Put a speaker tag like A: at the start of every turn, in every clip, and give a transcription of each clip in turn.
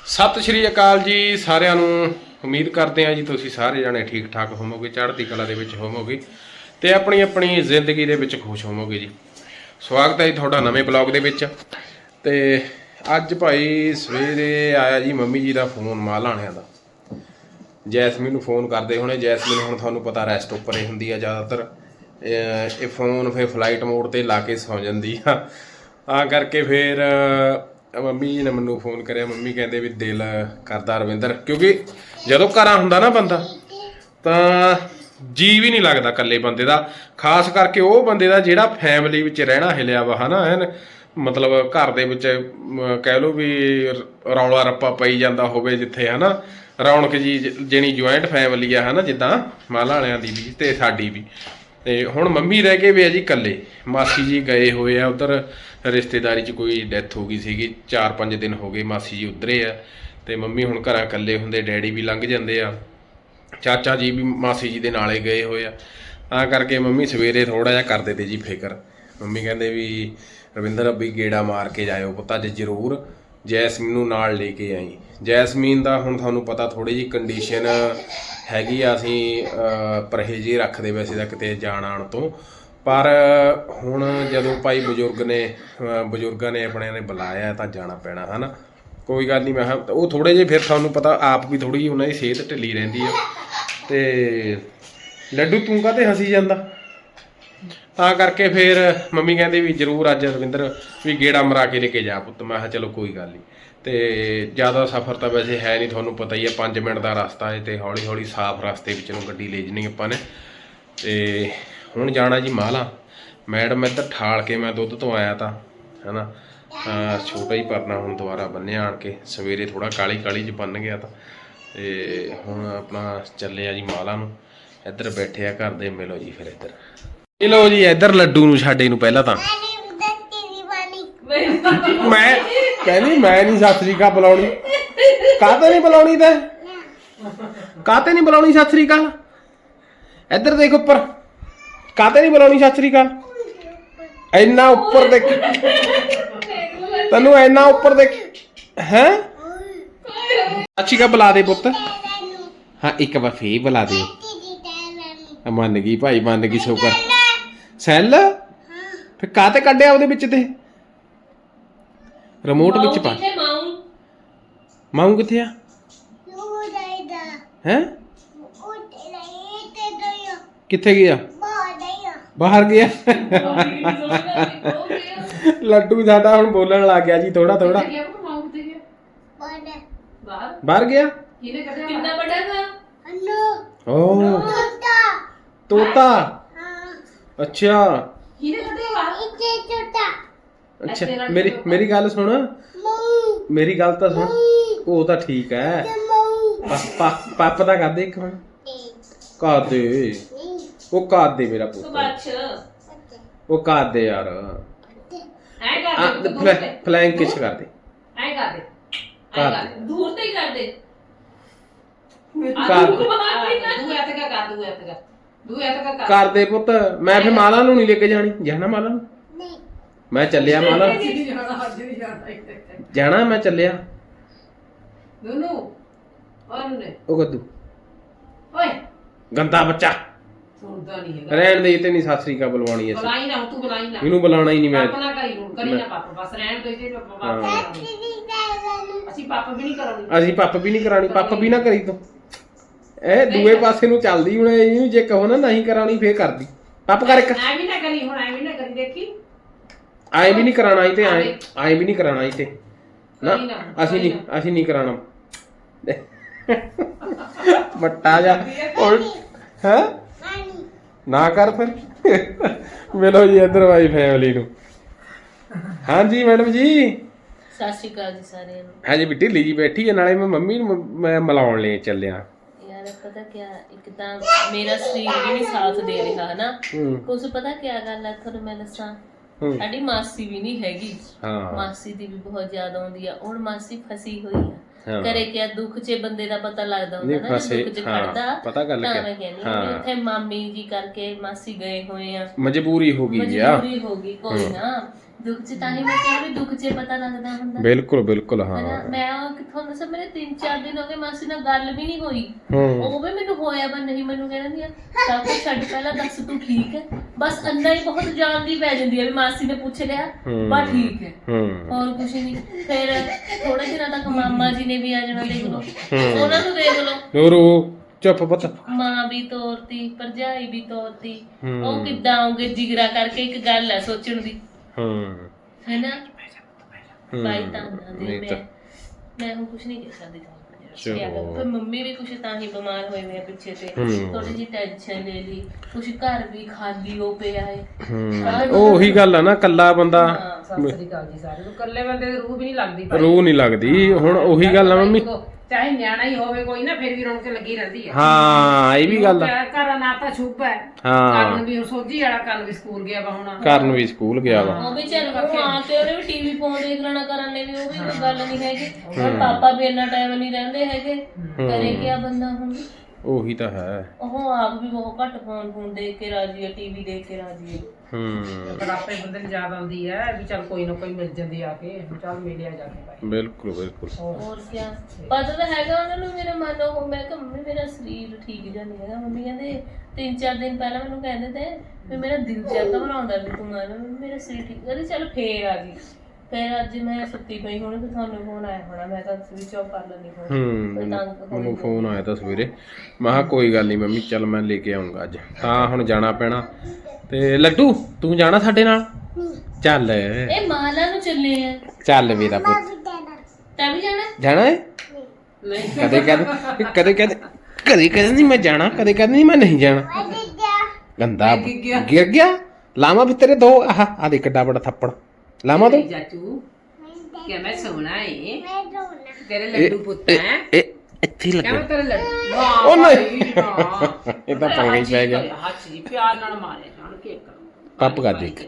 A: ਸਤਿ ਸ਼੍ਰੀ ਅਕਾਲ ਜੀ ਸਾਰਿਆਂ ਨੂੰ। ਉਮੀਦ ਕਰਦੇ ਹਾਂ ਜੀ ਤੁਸੀਂ ਸਾਰੇ ਜਣੇ ਠੀਕ ਠਾਕ ਹੋਵੋਗੇ, ਚੜ੍ਹਦੀ ਕਲਾ ਦੇ ਵਿੱਚ ਹੋਵੋਗੇ ਤੇ ਆਪਣੀ ਆਪਣੀ ਜ਼ਿੰਦਗੀ ਦੇ ਵਿੱਚ ਖੁਸ਼ ਹੋਵੋਗੇ ਜੀ। ਸਵਾਗਤ ਹੈ ਜੀ ਤੁਹਾਡਾ ਨਵੇਂ ਬਲੌਗ ਦੇ ਵਿੱਚ। ਤੇ ਅੱਜ ਭਾਈ ਸਵੇਰੇ ਆਇਆ ਜੀ ਮੰਮੀ ਜੀ ਦਾ ਫੋਨ ਮਾਂ ਲਾਣਿਆਂ ਦਾ। ਜੈਸਮੀਨ ਨੂੰ ਫੋਨ ਕਰਦੇ ਹੋਣੇ। ਜੈਸਮੀਨ ਹੁਣ ਤੁਹਾਨੂੰ ਪਤਾ ਰੈਸਟ ਉੱਪਰ ਹੀ ਹੁੰਦੀ ਆ ਜ਼ਿਆਦਾਤਰ। ਇਹ ਫੋਨ ਫਿਰ ਫਲਾਈਟ ਮੋਡ ਤੇ ਲਾ ਕੇ ਸੌਂ ਜਾਂਦੀ ਆ, ਤਾਂ ਕਰਕੇ ਫਿਰ ਮੰਮੀ ਜੀ ਨੇ ਮੈਨੂੰ ਫੋਨ ਕਰਿਆ। ਮੰਮੀ ਕਹਿੰਦੇ ਵੀ ਦਿਲ ਕਰਦਾ ਰਵਿੰਦਰ, ਕਿਉਂਕਿ ਜਦੋਂ ਘਰਾਂ ਹੁੰਦਾ ਨਾ ਬੰਦਾ ਤਾਂ ਜੀ ਵੀ ਨਹੀਂ ਲੱਗਦਾ ਇਕੱਲੇ ਬੰਦੇ ਦਾ, ਖਾਸ ਕਰਕੇ ਉਹ ਬੰਦੇ ਦਾ ਜਿਹੜਾ ਫੈਮਿਲੀ ਵਿੱਚ ਰਹਿਣਾ ਹਿਲਿਆ ਵਾ, ਹਨਾ। ਐਨ ਮਤਲਬ ਘਰ ਦੇ ਵਿੱਚ ਕਹਿ ਲਓ ਵੀ ਰੌਲਾ ਰੱਪਾ ਪਈ ਜਾਂਦਾ ਹੋਵੇ ਜਿੱਥੇ, ਹਨਾ, ਰੌਣਕ ਜੀ ਜਿਹੜੀ ਜੁਆਇੰਟ ਫੈਮਿਲੀ ਆ, ਹਨਾ, ਜਿੱਦਾਂ ਮਾਲਾ ਵਾਲਿਆਂ ਦੀ ਵੀ ਤੇ ਸਾਡੀ ਵੀ। ਤੇ ਹੁਣ ਮੰਮੀ ਰਹਿ ਕੇ ਵੀ ਆ ਜੀ ਇਕੱਲੇ। ਮਾਸੀ ਜੀ ਗਏ ਹੋਏ ਆ ਉੱਧਰ ਰਿਸ਼ਤੇਦਾਰੀ 'ਚ, ਕੋਈ ਡੈਥ ਹੋ ਗਈ ਸੀਗੀ, 4-5 ਦਿਨ ਹੋ ਗਏ ਮਾਸੀ ਜੀ ਉੱਧਰੇ ਆ। ਤੇ ਮੰਮੀ ਹੁਣ ਘਰਾਂ ਇਕੱਲੇ ਹੁੰਦੇ, ਡੈਡੀ ਵੀ ਲੰਘ ਜਾਂਦੇ ਆ, ਚਾਚਾ ਜੀ ਵੀ ਮਾਸੀ ਜੀ ਦੇ ਨਾਲੇ ਗਏ ਹੋਏ ਆ। ਤਾਂ ਕਰਕੇ ਮੰਮੀ ਸਵੇਰੇ ਥੋੜ੍ਹਾ ਜਿਹਾ ਕਰਦੇ ਤੇ ਜੀ ਫਿਕਰ। ਮੰਮੀ ਕਹਿੰਦੇ ਵੀ ਰਵਿੰਦਰ ਵੀ ਗੇੜਾ ਮਾਰ ਕੇ ਜਾਇਓ ਪੁੱਤ ਅੱਜ ਜ਼ਰੂਰ, ਜੈਸਮੀਨ ਨੂੰ ਨਾਲ ਲੈ ਕੇ ਆਈ। ਜੈਸਮੀਨ ਦਾ ਹੁਣ ਤੁਹਾਨੂੰ ਪਤਾ ਥੋੜ੍ਹੀ ਜਿਹੀ ਕੰਡੀਸ਼ਨ ਹੈਗੀ ਆ, ਅਸੀਂ ਪਰਹੇਜ਼ ਹੀ ਰੱਖਦੇ ਵੈਸੇ ਤਾਂ ਕਿਤੇ ਜਾਣ ਆਉਣ ਤੋਂ, ਪਰ ਹੁਣ ਜਦੋਂ ਭਾਈ ਬਜ਼ੁਰਗਾਂ ਨੇ ਆਪਣਿਆਂ ਨੇ ਬੁਲਾਇਆ ਤਾਂ ਜਾਣਾ ਪੈਣਾ, ਹਨਾ। ਕੋਈ ਗੱਲ ਨਹੀਂ, ਮੈਂ ਕਿਹਾ ਉਹ ਥੋੜ੍ਹੇ ਜਿਹੇ ਫਿਰ ਤੁਹਾਨੂੰ ਪਤਾ ਆਪ ਵੀ ਥੋੜ੍ਹੀ ਜਿਹੀ ਉਹਨਾਂ ਦੀ ਸਿਹਤ ਢਿੱਲੀ ਰਹਿੰਦੀ ਆ। ਤੇ ਲੱਡੂ ਤੂੰ ਕਾਹਤੇ ਹੱਸੀ ਜਾਂਦਾ? ਤਾਂ ਕਰਕੇ ਫਿਰ ਮੰਮੀ ਕਹਿੰਦੇ ਵੀ ਜ਼ਰੂਰ ਅੱਜ ਰਵਿੰਦਰ ਵੀ ਗੇੜਾ ਮਰਾ ਕੇ ਲੈ ਕੇ ਜਾ ਪੁੱਤ। ਮੈਂ ਕਿਹਾ ਚਲੋ ਕੋਈ ਗੱਲ ਨਹੀਂ। ਤੇ ਜ਼ਿਆਦਾ ਸਫ਼ਰ ਤਾਂ ਵੈਸੇ ਹੈ ਨਹੀਂ, ਤੁਹਾਨੂੰ ਪਤਾ ਹੀ ਹੈ, 5 ਮਿੰਟ ਦਾ ਰਸਤਾ ਹੈ ਤੇ ਹੌਲੀ ਹੌਲੀ ਸਾਫ਼ ਰਸਤੇ ਵਿੱਚ ਨੂੰ ਗੱਡੀ ਲੈ ਜਾਣੀ ਆਪਾਂ ਨੇ। ਤੇ ਹੁਣ ਜਾਣਾ ਜੀ ਮਾਲਾ। ਮੈਡਮ ਇੱਧਰ ਠਾਲ ਕੇ ਮੈਂ ਦੁੱਧ ਤੋਂ ਆਇਆ ਤਾਂ, ਹਨਾ, ਛੋਟਾ ਹੀ ਪਰਨਾ ਹੁਣ ਦੁਬਾਰਾ ਬੰਨਿਆ ਆਣ ਕੇ। ਸਵੇਰੇ ਥੋੜ੍ਹਾ ਕਾਲੀ ਕਾਲੀ 'ਚ ਬੰਨ ਗਿਆ ਤਾਂ। ਤੇ ਹੁਣ ਆਪਣਾ ਚੱਲੇ ਆ ਜੀ ਮਾਲਾ ਨੂੰ। ਇੱਧਰ ਬੈਠੇ ਆ ਘਰ ਦੇ, ਮਿਲੋ ਜੀ ਫਿਰ ਇੱਧਰ। ਇਹ ਲਓ ਜੀ ਇੱਧਰ ਲੱਡੂ ਨੂੰ ਸਾਡੇ ਨੂੰ ਪਹਿਲਾਂ ਤਾਂ ਮੈਂ ਕਹਿੰਦੀ ਮੈਂ ਨਹੀਂ ਸਤਿ ਸ੍ਰੀ ਅਕਾਲ ਬੁਲਾਉਣੀ। ਕਾਹਤੇ ਨਹੀਂ ਬੁਲਾਉਣੀ ਤੇ ਕਾਹਤੇ ਨਹੀਂ ਬੁਲਾਉਣੀ ਸਤਿ ਸ੍ਰੀ ਅਕਾਲ? ਇੱਧਰ ਦੇਖ ਉੱਪਰ, ਕਾਹਤੇ ਨਹੀਂ ਬੁਲਾਉਣੀ ਸਤਿ ਸ੍ਰੀ ਅਕਾਲ? ਇੰਨਾ ਉੱਪਰ ਦੇਖ, ਤੈਨੂੰ ਇੰਨਾ ਉੱਪਰ ਦੇਖ ਹੈ। ਅੱਛੀ ਕਾ ਬੁਲਾ ਦੇ ਪੁੱਤ। ਹਾਂ ਇੱਕ ਵਾਰ ਫੇਰ ਬੁਲਾ ਦੇ। ਮੰਨ ਗਈ ਭਾਈ, ਮੰਨ ਗਈ। ਸ਼ੁਕਰ। ਸੈੱਲ ਫਿਰ ਕਾਹਤੇ ਕੱਢਿਆ ਉਹਦੇ ਵਿੱਚ ਤੇ ਰਿਮੋਟ ਵਿੱਚ ਪਾ। ਮਾਊ ਕਿੱਥੇ ਆ? ਹੈ ਕਿੱਥੇ ਗਿਆ? ਬਾਹਰ ਗਿਆ। ਲੱਡੂ ਸਾਡਾ ਹੁਣ ਬੋਲਣ ਲੱਗ ਗਿਆ ਜੀ ਥੋੜਾ ਥੋੜਾ। ਬਾਹਰ ਗਿਆ।
B: ਕਿੰਨਾ ਵੱਡਾ ਥਾ?
A: ਓ ਤੋਤਾ। ਅੱਛਾ ਅੱਛਾ, ਮੇਰੀ ਗੱਲ ਸੁਣ, ਮੇਰੀ ਗੱਲ ਤਾਂ ਸੁਣ। ਉਹ ਤਾਂ ਠੀਕ ਹੈ, ਪਾਪਾ ਦਾ ਕਰਦੇ ਇੱਕ ਮਿੰਟ। ਕਰਦੇ ਉਹ ਕਰਦੇ ਮੇਰਾ ਪੁੱਤ, ਉਹ ਕਰਦੇ ਯਾਰ। ਫਲੈਂਕ ਕਿਸ ਕਰਦੇ?
B: ਐ ਕਰਦੇ, ਐ ਕਰਦੇ, ਦੂਰ ਤੇ ਹੀ ਕਰਦੇ।
A: ਕਰਦੇ ਪੁੱਤ। ਮੈਂ ਫਿਰ ਮਾਲਾ ਨੂੰ ਨਹੀਂ ਲੈ ਕੇ ਜਾਣੀ। ਜਾਣਾ ਮਾਲਾ ਨੂੰ? ਮੈਂ ਚੱਲਿਆ ਮਾਲਾ ਜਾਣਾ, ਮੈਂ ਚੱਲਿਆ। ਉਹ ਗੱਦੂ ਗੰਦਾ ਬੱਚਾ ਰਹਿਣ ਦੇ। ਤੇ ਨਹੀਂ ਸਤਿ ਸ੍ਰੀ ਅਕਾਲ ਬੁਲਵਾਉਣੀ ਅਸੀਂ। ਇਹਨੂੰ ਬੁਲਾਉਣਾ ਹੀ ਨਹੀਂ ਮੈਂ। ਅਸੀਂ ਪੱਪ ਵੀ ਨਹੀਂ ਕਰਾਉਣੀ। ਪੱਪ ਵੀ ਨਾ ਕਰੀ ਤੂੰ। ਇਹ ਦੂਏ ਪਾਸੇ ਨੂੰ ਚੱਲਦੀ ਹੁਣ। ਇਹਨੂੰ ਜੇ ਕਹੋ ਨਾ ਨਹੀਂ ਕਰਾਉਣੀ ਫੇਰ ਕਰਦੀ। ਪੱਪ ਕਰ ਇੱਕ।
B: ਐ ਵੀ ਨਾ ਕਰੀ ਹੁਣ, ਐ ਵੀ ਨਾ ਕਰੀ, ਦੇਖੀ
A: ਐ ਵੀ ਨਹੀਂ ਕਰਾਉਣਾ ਤੇ ਐ ਵੀ ਨਹੀਂ ਕਰਾਉਣਾ ਤੇ ਨਾ। ਅਸੀਂ ਨਹੀਂ ਕਰਾਉਣਾ ਮੱਟਾ ਜਾ ਹੈ ਨਾ ਕਰ ਫਿਰ। ਮਿਲੋ ਜੀ ਇੱਧਰ ਵਾਈ ਫੈਮਿਲੀ ਨੂੰ। ਹਾਂਜੀ ਮੈਡਮ ਜੀ,
B: ਸਤਿ ਸ਼੍ਰੀ ਅਕਾਲ ਜੀ ਸਾਰਿਆਂ ਨੂੰ।
A: ਹਾਂਜੀ ਵੀ ਢਿੱਲੀ ਜੀ ਬੈਠੀ ਹੈ, ਨਾਲੇ ਮੈਂ ਮੰਮੀ ਨੂੰ ਮੈਂ ਮਿਲਾਉਣ ਲਈ ਚੱਲਿਆ।
B: ਯਾਰ ਪਤਾ ਕਿਆ, ਇੱਕ ਤਾਂ ਮੇਰਾ ਸਰੀਰ ਵੀ ਨਹੀਂ ਸਾਥ ਦੇ ਰਿਹਾ ਨਾ ਕੁਝ। ਪਤਾ ਕਿਆ ਗੱਲ ਹੈ ਤੁਹਾਨੂੰ ਮੈਂ ਦੱਸਾਂ, ਸਾਡੀ ਮਾਸੀ ਵੀ ਨਹੀਂ ਹੈਗੀ। ਮਾਸੀ ਦੀ ਵੀ ਬਹੁਤ ਯਾਦ ਆਉਂਦੀ ਆ। ਹੁਣ ਮਾਸੀ ਫਸੀ ਹੋਈ ਆ ਕਰੇ ਕਿਆ। ਦੁੱਖ 'ਚ ਬੰਦੇ ਦਾ ਪਤਾ ਲੱਗਦਾ ਹੁੰਦਾ ਨਾ, ਦੁੱਖ 'ਚ ਖੜਦਾ।
A: ਪਤਾ ਗੱਲ
B: ਤਾਂ ਮੈਂ ਕਹਿੰਦੀ ਉੱਥੇ ਮਾਮੀ ਜੀ ਕਰਕੇ ਮਾਸੀ ਗਏ ਹੋਏ ਆ,
A: ਮਜਬੂਰੀ ਹੋ ਗਈ।
B: ਮਜਬੂਰੀ ਹੋ ਗਈ। ਕੋਈ ਨਾ, ਦੁੱਖ 'ਚ ਤਾਂ ਹੀ ਮੈਂ ਕਿਹਾ ਵੀ ਦੁੱਖ 'ਚ ਪਤਾ ਲੱਗਦਾ ਹੁੰਦਾ।
A: ਬਿਲਕੁਲ ਬਿਲਕੁਲ ਹਾਂ।
B: ਹਨਾ ਮੈਂ ਉਹ ਕਿੱਥੋਂ ਦੱਸਾਂ, ਮੇਰੇ 3-4 ਦਿਨ ਹੋ ਗਏ ਮਾਸੀ ਨਾਲ ਗੱਲ ਵੀ ਨਹੀਂ ਹੋਈ। ਉਹ ਵੀ ਮੈਨੂੰ ਹੋਇਆ ਪਰ ਨਹੀਂ, ਮੈਨੂੰ ਕਹਿੰਦੀ ਆ ਸਭ ਕੁਝ ਛੱਡ ਪਹਿਲਾਂ ਦੱਸ ਤੂੰ ਠੀਕ ਹੈ, ਬਸ ਅੰਦਰ ਹੀ ਬਹੁਤ ਜਾਣਦੀ ਪੈ ਜਾਂਦੀ ਹੈ ਵੀ ਮਾਸੀ ਨੇ ਪੁੱਛ ਲਿਆ ਬਸ ਠੀਕ ਹੈ, ਹੋਰ ਕੁਝ ਨਹੀਂ। ਫਿਰ ਥੋੜੇ ਦਿਨਾਂ ਤੱਕ ਮਾਮਾ ਜੀ ਨੇ ਵੀ ਆ ਜਾਣਾ, ਦੇਖ ਲਓ ਉਹਨਾਂ ਨੂੰ ਦੇਖ ਲਓ।
A: ਹੋਰ ਚੁੱਪ ਪੁੱਤ,
B: ਮਾਂ ਵੀ ਤੋਰਤੀ, ਭਰਜਾਈ ਵੀ ਤੋਰਤੀ, ਉਹ ਕਿੱਦਾਂ ਆਉਂਗੇ ਜਿਗਰਾ ਕਰਕੇ, ਇੱਕ ਗੱਲ ਹੈ ਸੋਚਣ ਦੀ ਹੈਨਾ। ਭਾਈ ਤਾਂ ਮੈਂ ਹੁਣ ਕੁਛ ਨਹੀਂ ਕਹਿ ਸਕਦੀ ਤੁਹਾਨੂੰ। ਫਿਰ ਮੰਮੀ ਵੀ ਕੁਛ ਤਾਂ ਹੀ ਬਿਮਾਰ ਹੋਏ ਨੇ ਪਿੱਛੇ ਤੇ, ਥੋੜੀ ਜਿਹੀ ਟੈਨਸ਼ਨ ਲੈ ਲਈ, ਕੁਛ ਘਰ ਵੀ ਖਾਲੀ ਹੋ ਪਿਆ ਹੈ।
A: ਉਹੀ ਗੱਲ ਆ ਨਾ, ਕੱਲਾ ਬੰਦਾ
C: ਸਤਿ ਸ੍ਰੀ ਅਕਾਲ ਜੀ ਸਾਰਿਆਂ ਨੂੰ। ਕੱਲੇ ਬੰਦੇ ਦੀ ਰੂਹ ਵੀ ਨਹੀਂ ਲੱਗਦੀ,
A: ਰੂਹ ਨਹੀਂ ਲੱਗਦੀ। ਹੁਣ ਉਹੀ ਗੱਲ ਆ ਮੰਮੀ,
C: ਚਾਹੇ ਨਿਆਣਾ ਹੀ ਹੋਵੇ ਕੋਈ ਨਾ, ਫਿਰ ਵੀ ਰੌਣਕ ਲੱਗੀ ਰਹਿੰਦੀ ਹੈ।
A: ਹਾਂ ਇਹ ਵੀ ਗੱਲ ਆ।
C: ਘਰ ਨਾ ਤਾਂ ਛੁੱਪ ਹੈ,
A: ਹਾਂ
C: ਕਰਨ ਵੀ ਸੋਝੀ ਵਾਲਾ, ਕਰਨ ਵੀ ਸਕੂਲ ਗਿਆ ਵਾ ਹੁਣ,
A: ਕਰਨ ਵੀ ਸਕੂਲ ਗਿਆ ਵਾ।
B: ਉਹ ਵੀ ਚੱਲ ਆ ਕੇ ਉਹਨੇ ਵੀ ਟੀਵੀ ਫੋਨ ਦੇਖ ਲੈਣਾ, ਕਰਨ ਨੇ ਵੀ, ਉਹ ਵੀ ਕੋਈ ਗੱਲ ਨਹੀਂ ਹੈਗੀ। ਹੁਣ ਪਾਪਾ ਵੀ ਇੰਨਾ ਟਾਈਮ ਨਹੀਂ ਰਹਿੰਦੇ ਹੈਗੇ, ਕਰੇ ਕਿਆ ਬੰਦਾ ਹੁਣ।
A: ਉਹੀ ਤਾਂ ਹੈ।
B: ਉਹ ਆਪ ਵੀ ਬਹੁਤ ਘੱਟ ਫੋਨ ਦੇਖ ਕੇ ਰਾਜੀ ਹੈ, ਟੀਵੀ ਦੇਖ ਕੇ ਰਾਜੀ ਹੈ।
C: ਪਰ ਆਪੇ ਬੰਦੇ ਨੂੰ ਯਾਦ ਆਉਂਦੀ ਹੈ ਵੀ ਚੱਲ ਕੋਈ ਨਾ ਕੋਈ ਮਿਲ ਜਾਂਦੀ ਆ ਕੇ, ਚੱਲ ਮਿਲਿਆ ਜਾ ਕੇ ਭਾਈ।
A: ਬਿਲਕੁਲ ਬਿਲਕੁਲ।
B: ਹੋਰ ਕੀ ਪਤਾ ਤਾਂ ਹੈਗਾ ਉਹਨਾਂ ਨੂੰ, ਮੇਰੇ ਮਨ ਉਹ, ਮੈਂ ਕਿਹਾ ਮੰਮੀ ਮੇਰਾ ਸਰੀਰ ਠੀਕ ਜਿਹਾ ਨਹੀਂ ਹੈਗਾ। ਮੰਮੀ ਕਹਿੰਦੇ 3-4 ਦਿਨ ਪਹਿਲਾਂ ਮੈਨੂੰ ਕਹਿੰਦੇ ਤੇ ਵੀ ਮੇਰਾ ਦਿਲ ਜਿਹਾ ਘਬਰਾਉਂਦਾ ਵੀ ਤੂੰ ਮੇਰਾ ਸਰੀਰ ਠੀਕ, ਕਹਿੰਦੇ ਚੱਲ ਫੇਰ ਆ ਗਈ। ਫਿਰ ਅੱਜ ਮੈਂ ਸੁੱਤੀ ਪਈ ਹੁਣ, ਫਿਰ ਤੁਹਾਨੂੰ ਫੋਨ ਆਇਆ ਹੋਣਾ, ਮੈਂ ਤਾਂ ਸਵਿਚ ਆਫ ਕਰ ਲੈਂਦੀ ਫੋਨ।
A: ਮੈਨੂੰ ਫੋਨ ਆਇਆ ਤਾਂ ਸਵੇਰੇ, ਮੈਂ ਕਿਹਾ ਕੋਈ ਗੱਲ ਨਹੀਂ ਮੰਮੀ, ਚੱਲ ਮੈਂ ਲੈ ਕੇ ਆਉਂਗਾ ਅੱਜ, ਤਾਂ ਹੁਣ ਜਾਣਾ ਪੈਣਾ। ਤੇ ਲੱਡੂ ਤੂੰ ਜਾਣਾ ਸਾਡੇ ਨਾਲ? ਚੱਲ
B: ਇਹ ਮਾਲਾ ਨੂੰ ਚੱਲੇ ਆ।
A: ਚੱਲ ਮੇਰਾ ਪੁੱਤ,
B: ਤੈਂ ਵੀ ਜਾਣਾ?
A: ਜਾਣਾ ਹੈ? ਕਦੇ ਕਹਿੰਦੇ ਨਹੀਂ ਮੈਂ ਜਾਣਾ, ਕਦੇ ਕਹਿੰਦੇ ਨਹੀਂ ਮੈਂ ਨਹੀਂ ਜਾਣਾ। ਗੰਦਾ ਗਿਰ ਗਿਆ। ਲਾਵਾਂ ਵੀ ਤੇਰੇ ਦੋ, ਆ ਦੇਖ ਕਿੱਡਾ ਬੜਾ ਥੱਪੜ ਲਾਵਾਂ ਤੂੰ।
C: ਚਾਚੂ ਕਿ ਮੈਂ ਸੋਹਣਾ ਏ, ਤੇਰੇ ਲੱਡੂ ਪੁੱਤ ਹੈ
A: ਇੱਥੇ ਲੱਗੇ।
C: ਕਿਵੇਂ ਤੇਰੇ ਲੱਡੂ?
A: ਉਹ ਨਹੀਂ, ਇਹ ਤਾਂ ਪੰਗਾ ਹੀ ਪੈ ਗਿਆ।
C: ਹੱਥ ਜੀ ਪਿਆਰ ਨਾਲ ਮਾਰੇ ਜਾਣ ਕੇ
A: ਪੱਪ ਕਰ ਦੇ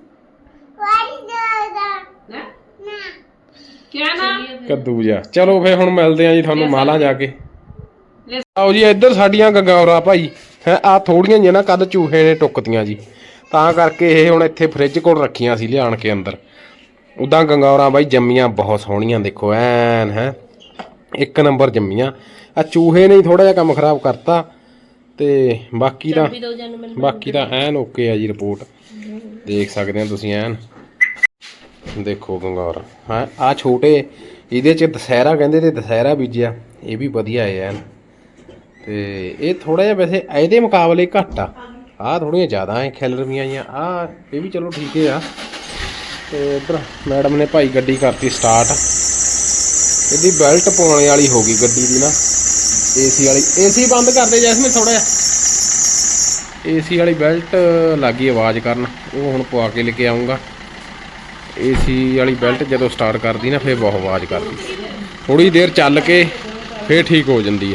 C: ਕਿਆ ਨਾ
A: ਕੱਦੂ ਜਾ। ਚਲੋ ਫੇ ਹੁਣ ਮਿਲਦੇ ਆ ਜੀ ਤੁਹਾਨੂੰ ਮਾਲਾ ਜਾ ਕੇ। ਆਓ ਜੀ ਇੱਧਰ ਸਾਡੀਆਂ ਗੰਗੌਰਾ ਭਾਈ ਹੈ, ਆ ਥੋੜੀਆਂ ਜਿਹੀਆਂ ਨਾ ਕੱਲ ਚੂਹੇ ਨੇ ਟੁੱਕਤੀਆਂ ਜੀ, ਤਾਂ ਕਰਕੇ ਇਹ ਹੁਣ ਇੱਥੇ ਫ੍ਰਿਜ ਕੋਲ ਰੱਖੀਆਂ ਸੀ ਲਿਆਣ ਕੇ ਅੰਦਰ। ਉੱਦਾਂ ਗੰਗੌਰਾ ਬਾਈ ਜੰਮੀਆਂ ਬਹੁਤ ਸੋਹਣੀਆਂ, ਦੇਖੋ ਐਨ ਹੈ ਇੱਕ ਨੰਬਰ ਜੰਮੀਆਂ। ਆ ਚੂਹੇ ਨੇ ਥੋੜਾ ਜਿਹਾ ਕੰਮ ਖਰਾਬ ਕਰਤਾ, ਤੇ ਬਾਕੀ ਤਾਂ ਐਨ ਓਕੇ ਆ ਜੀ। ਰਿਪੋਰਟ ਦੇਖ ਸਕਦੇ ਹੋ ਤੁਸੀਂ, ਐਨ ਦੇਖੋ ਗੰਗੌਰਾ। ਹਾਂ ਆ ਛੋਟੇ ਇਹਦੇ 'ਚ ਦੁਸਹਿਰਾ ਕਹਿੰਦੇ, ਤੇ ਦੁਸਹਿਰਾ ਬੀਜਿਆ, ਇਹ ਵੀ ਵਧੀਆ ਹੈ ਐਨ। ਤੇ ਇਹ ਥੋੜਾ ਜਿਹਾ ਵੈਸੇ ਇਹਦੇ ਮੁਕਾਬਲੇ ਘੱਟ ਆ, ਆਹ ਥੋੜੀਆਂ ਜ਼ਿਆਦਾ ਐ ਖਿਲਰਵੀਆਂ ਜਿਹੀਆਂ। ਆ ਇਹ ਵੀ ਚਲੋ ਠੀਕ ਆ। ਤੇ ਇੱਧਰ ਮੈਡਮ ਨੇ ਭਾਈ ਗੱਡੀ ਕਰਤੀ ਸਟਾਰਟ। ਇਹਦੀ ਬੈਲਟ ਪਾਉਣ ਵਾਲੀ ਹੋ ਗਈ ਗੱਡੀ ਦੀ ਨਾ, ਏਸੀ ਵਾਲੀ। ਏਸੀ ਬੰਦ ਕਰਦੇ ਜੈਸਮੀਨ ਥੋੜਾ ਜਿਹਾ, ਏਸੀ ਵਾਲੀ ਬੈਲਟ ਲੱਗੀ ਆਵਾਜ਼ ਕਰਨ, ਉਹ ਹੁਣ ਪਵਾ ਕੇ ਲੈ ਕੇ ਆਉਂਗਾ। ਏਸੀ ਵਾਲੀ ਬੈਲਟ ਜਦੋਂ ਸਟਾਰਟ ਕਰਦੀ ਨਾ ਫਿਰ ਬਹੁਤ ਆਵਾਜ਼ ਕਰਦੀ, ਥੋੜੀ ਦੇਰ ਚੱਲ ਕੇ ਫਿਰ ਠੀਕ ਹੋ ਜਾਂਦੀ ਆ।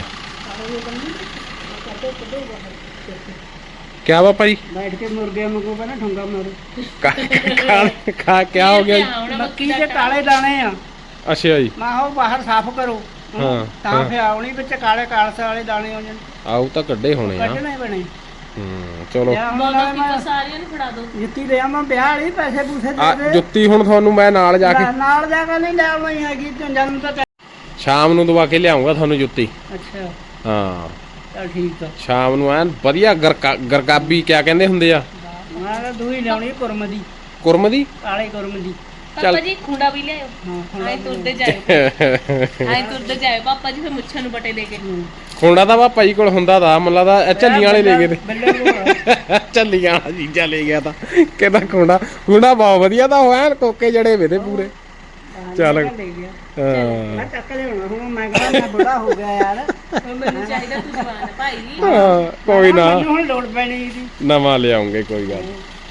A: क्या पापा जी?
C: बैठ के मुर्गे वांगू ना ठुंगा मारो।
A: क्या हो गया?
C: मक्की के काले दाने आ।
A: अच्छा जी।
C: मैं हो बाहर साफ करो।
A: हाँ।
C: ਤਾਂ ਫੇ ਆਉਣੀ ਵਿੱਚ ਕਾਲੇ ਕਾਲਸੇ ਵਾਲੇ ਦਾਣੇ ਹੋ ਜਾਣ।
A: ਆਉ ਤਾਂ ਕੱਢੇ ਹੋਣੇ ਆ।
C: ਕੱਢਣੇ ਬਣੇ।
A: ਚਲੋ
B: ਸਾਰਿਆਂ ਨੂੰ ਫੜਾ ਦੋ।
C: ਜੁੱਤੀ ਦੇ ਆਵਾਂ ਵਿਆਹ ਵਾਲੀ, ਪੈਸੇ ਪੂਸੇ ਦੇ ਦੇ।
A: ਜੁੱਤੀ ਹੁਣ ਤੁਹਾਨੂੰ ਮੈਂ ਨਾਲ ਜਾ ਕੇ
C: ਨਹੀਂ ਲੈ ਆਉਣੀ ਹੈਗੀ, ਜਨਮ ਤਾਂ
A: ਸ਼ਾਮ ਨੂੰ ਦਵਾ ਕੇ ਲਿਆਉਂਗਾ ਤੁਹਾਨੂੰ ਜੁੱਤੀ।
C: ਅੱਛਾ
A: ਹਾਂ
C: ਚਲ ਠੀਕ ਆ।
A: ਸ਼ਾਮ ਨੂੰ ਐਨ ਵਧੀਆ ਗਰਕਾਬੀ ਕਿਆ ਕਹਿੰਦੇ ਹੁੰਦੇ ਆ?
C: ਮੈਂ ਤਾਂ ਦੂਈ ਲਿਆਉਣੀ ਕੁਰਮ ਦੀ।
A: ਕੁਰਮ ਦੀ?
C: ਕਾਲੇ ਕੁਰਮ ਦੀ।
B: ਪਾਪਾ ਜੀ ਖੁੰਡਾ ਵੀ ਲਿਆਓ। ਆਏ ਤੁਰਦੇ ਜਾਇਓ ਪਾਪਾ ਜੀ, ਫਿਰ ਮੁੱਛਾਂ ਨੂੰ ਬਟੇ ਲੈ ਕੇ।
A: ਖੁੰਡਾ ਤਾਂ ਪਾਪਾ ਜੀ ਕੋਲ ਹੁੰਦਾ ਤਾਂ ਮੱਲਾ ਦਾ ਝੱਲੀਆਂ ਵਾਲੇ ਲੈ ਗਏ ਤੇ ਝੱਲੀਆਂ ਵਾਲਾ ਚੀਜ਼ਾਂ ਲੈ ਗਿਆ ਤਾਂ ਕਹਿੰਦਾ ਖੁੰਡਾ ਬਹੁਤ ਵਧੀਆ ਤਾਂ ਹੋਇਆ, ਕੋਕੇ ਜੜੇ ਵੇ ਤੇ ਪੂਰੇ। ਚੱਲ
C: ਮੈਂ ਚੱਕ ਲਿਆਉਣਾ ਹੁਣ, ਮੈਂ ਕਹਿੰਦਾ ਮੈਂ ਬੁੜਾ ਹੋ ਗਿਆ ਯਾਰ,
B: ਮੈਨੂੰ ਚਾਹੀਦਾ ਤੂੰ ਜਵਾਨ ਭਾਈ।
A: ਹਾਂ ਕੋਈ ਨਾ,
C: ਹੁਣ ਲੋੜ ਪੈਣੀ ਇਹਦੀ,
A: ਨਵਾਂ ਲਿਆਉਂਗੇ ਕੋਈ ਗੱਲ।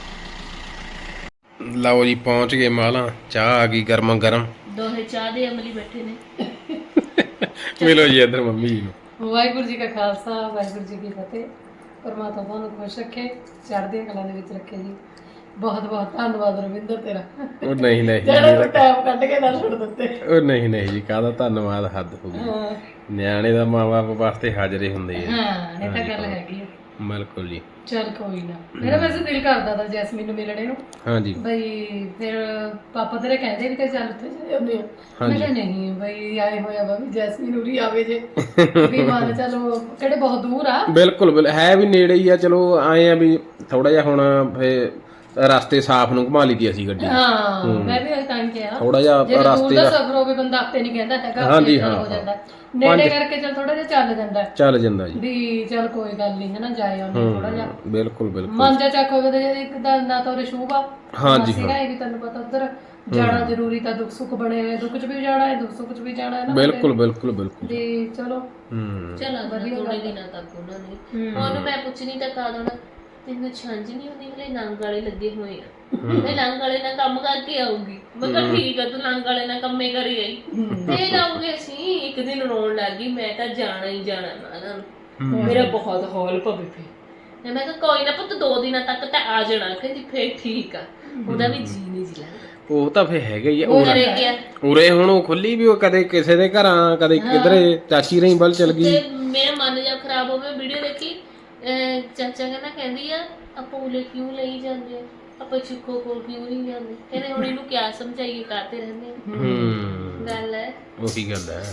A: ਲਓ ਜੀ ਪਹੁੰਚ ਗਏ ਮਾਲਾ, ਚਾਹ ਆ ਗਈ ਗਰਮ ਗਰਮ।
B: ਦੋਹੇ ਚਾਹ ਦੇ ਅਮਲੀ ਬੈਠੇ ਨੇ।
A: ਮਿਲੋ ਜੀ ਇੱਧਰ ਮੰਮੀ ਜੀ ਨੂੰ।
D: ਵਾਹਿਗੁਰੂ ਜੀ ਕਾ ਖਾਲਸਾ, ਵਾਹਿਗੁਰੂ ਜੀ ਕੀ ਫਤਿਹ। ਪਰਮਾਤਮਾ ਤੁਹਾਨੂੰ ਖੁਸ਼ ਰੱਖੇ, ਚੜ੍ਹਦੀਆਂ ਕਲਾਂ ਦੇ ਵਿੱਚ ਰੱਖੇ ਜੀ। ਬਹੁਤ ਬਹੁਤ ਧੰਨਵਾਦ ਰਵਿੰਦਰ ਤੇਰਾ।
A: ਉਹ ਨਹੀਂ
D: ਜਿਹੜਾ ਟਾਈਮ ਕੱਢ ਕੇ ਨਾ ਛੱਡ ਦਿੱਤੇ।
A: ਉਹ ਨਹੀਂ ਜੀ, ਕਾਹਦਾ ਧੰਨਵਾਦ, ਹੱਦ ਹੋ ਗਈ। ਨਿਆਣੇ ਦਾ ਮਾਂ ਬਾਪ ਵਾਸਤੇ ਹਾਜ਼ਰੇ ਹੁੰਦੇ ਆ।
D: ਹਾਂ ਇਹ ਤਾਂ ਗੱਲ ਹੈਗੀ ਆ।
A: ਬਿਲਕੁਲ ਜੀ।
D: ਚੱਲ ਕੋਈ ਨਾ, ਮੇਰਾ ਵੈਸੇ ਦਿਲ ਕਰਦਾ ਤਾਂ ਜੈਸਮੀਨ ਨੂੰ ਮਿਲਣੇ ਨੂੰ,
A: ਹਾਂਜੀ
D: ਬਈ ਫਿਰ ਪਾਪਾ ਤੇਰੇ ਕਹਿੰਦੇ ਵੀ ਤੇ ਚੱਲ ਉੱਥੇ ਜਾ ਆਉਂਦੇ ਆ। ਮੈਂ ਕਿਹਾ ਨਹੀਂ ਬਈ ਆਏ ਹੋਇਆ ਵਾ ਵੀ ਜੈਸਮੀਨ ਉਰੀ ਆਵੇ ਜੇ ਵੀ ਮਨ ਚਲੋ ਕਿਹੜੇ ਬਹੁਤ ਦੂਰ ਆ।
A: ਬਿਲਕੁਲ ਹੈ ਵੀ ਨੇੜੇ ਹੀ ਆ, ਚਲੋ ਆਏ ਆ ਵੀ ਥੋੜਾ ਜਿਹਾ ਹੁਣ ਫੇ ਰਸਤੇ ਸਾਫ਼ ਨੂੰ ਘੁਮਾ ਲਈ ਤੀ ਅਸੀਂ ਗੱਡੀ।
D: ਹਾਂ ਮੈਂ ਵੀ ਤਾਂ ਹੀ ਕਿਹਾ
A: ਥੋੜਾ ਜਿਹਾ
D: ਦੂਰ
A: ਰਸਤੇ
D: ਦਾ
A: ਦਾ
D: ਸਫ਼ਰ ਹੋਵੇ ਬੰਦਾ ਆਪੇ ਨਹੀਂ ਕਹਿੰਦਾ ਹੈਗਾ,
A: ਹਾਂਜੀ,
D: ਆਪੇ
A: ਹਾਂ,
D: ਹੋ ਜਾਂਦਾ ਨੇੜੇ ਕਰਕੇ ਚੱਲ ਥੋੜਾ ਜਿਹਾ ਚੱਲ ਜਾਂਦਾ
A: ਚੱਲ ਜਾਂਦਾ ਜੀ।
D: ਵੀ ਚੱਲ ਕੋਈ ਗੱਲ ਨਹੀਂ ਹੈ ਨਾ, ਜਾਏ ਆਉਂਦੇ ਥੋੜਾ ਜਿਹਾ
A: ਬਿਲਕੁਲ ਬਿਲਕੁਲ
D: ਮਨ ਜਾ ਚੱਕ ਹੋਵੇ ਤੇ ਇੱਕ ਦਾ ਨਾ ਤਾਂ ਉਰੇ ਸ਼ੂਭ ਆ।
A: ਹਾਂਜੀ,
D: ਸੀਗਾ ਇਹ ਵੀ ਤੈਨੂੰ ਪਤਾ ਉੱਧਰ ਜਾਣਾ ਜ਼ਰੂਰੀ ਤਾਂ ਦੁੱਖ ਸੁੱਖ ਬਣੇ ਹੋਏ, ਦੁੱਖ 'ਚ ਵੀ ਜਾਣਾ ਹੈ ਦੁੱਖ ਸੁੱਖ 'ਚ ਵੀ ਜਾਣਾ ਹੈ ਨਾ
A: ਬਿਲਕੁਲ ਬਿਲਕੁਲ ਬਿਲਕੁਲ
D: ਤੇ ਚਲੋ
B: ਚਲ ਵਧੀਆ ਥੋੜੇ ਦਿਨਾਂ ਤੱਕ ਉਹਨਾਂ ਨੇ ਉਹਨੂੰ ਮੈਂ ਪੁੱਛਣੀ ਤਾਂ ਕਾ ਦੇਣਾ ਤੈਨੂੰ ਛੰਝ ਨਹੀਂ ਹੁੰਦੀ, ਹਲੇ ਲੰਗ ਵਾਲੇ ਲੱਗੇ ਹੋਏ ਆ, ਮੈਂ ਲੰਗ ਵਾਲੇ ਨਾਲ ਕੰਮ ਕਰਕੇ ਆਊਗੀ। ਮੈਂ ਕਿਹਾ ਠੀਕ ਆ, ਤੂੰ ਲੰਗ ਵਾਲੇ ਨਾਲ ਕੰਮੇ ਕਰੀ ਆਈ ਤੇ ਲਾਉਂਗੇ ਅਸੀਂ। ਇੱਕ ਦਿਨ ਰੋਣ ਲੱਗ ਗਈ, ਮੈਂ ਤਾਂ ਜਾਣਾ ਹੀ ਜਾਣਾ ਨਾ, ਮੇਰਾ ਬਹੁਤ ਹੌਲ ਪਵੇ ਫੇ। ਮੈਂ ਕਿਹਾ ਕੋਈ ਨਾ ਪੁੱਤ 2 ਦਿਨਾਂ ਤੱਕ ਤਾਂ ਆ ਜਾਣਾ। ਕਹਿੰਦੀ ਫੇਰ ਠੀਕ ਆ, ਉਹਦਾ ਵੀ ਜੀ ਨਹੀਂ ਜੀ ਲੱਗਦਾ।
A: ਉਹ ਤਾਂ ਫੇ ਹੈਗਾ ਹੀ ਆ।
B: ਘਰੇ ਗਿਆ
A: ਉਰੇ ਹੁਣ ਉਹ ਖੁੱਲੀ ਵੀ ਉਹ ਕਦੇ ਕਿਸੇ ਦੇ ਘਰਾਂ ਕਦੇ ਕਿਧਰੇ ਚਾਚੀ ਰਹੀ ਵੱਲ ਚਲ ਗਈ।
B: ਤੇ ਮੇਰਾ ਮਨ ਜਾ ਖਰਾਬ ਹੋਵੇ, ਵੀਡੀਓ ਦੇਖੀ ਚਾਚਾ ਕਹਿੰਦੀ ਆ ਆਪਾਂ ਉਲੇ ਕਿਉਂ ਲਈ ਜਾਂਦੇ ਆ, ਆਪਾਂ ਚੁੱਕੋ ਕੋਲ ਕਿਉਂ ਨਹੀਂ ਜਾਂਦੇ। ਕਹਿੰਦੇ ਹੁਣ ਇਹਨੂੰ ਕਿਆ ਸਮਝਾਈਏ, ਕਰਦੇ ਰਹਿੰਦੇ ਆ। ਗੱਲ ਹੈ
A: ਉਹੀ ਗੱਲ ਹੈ,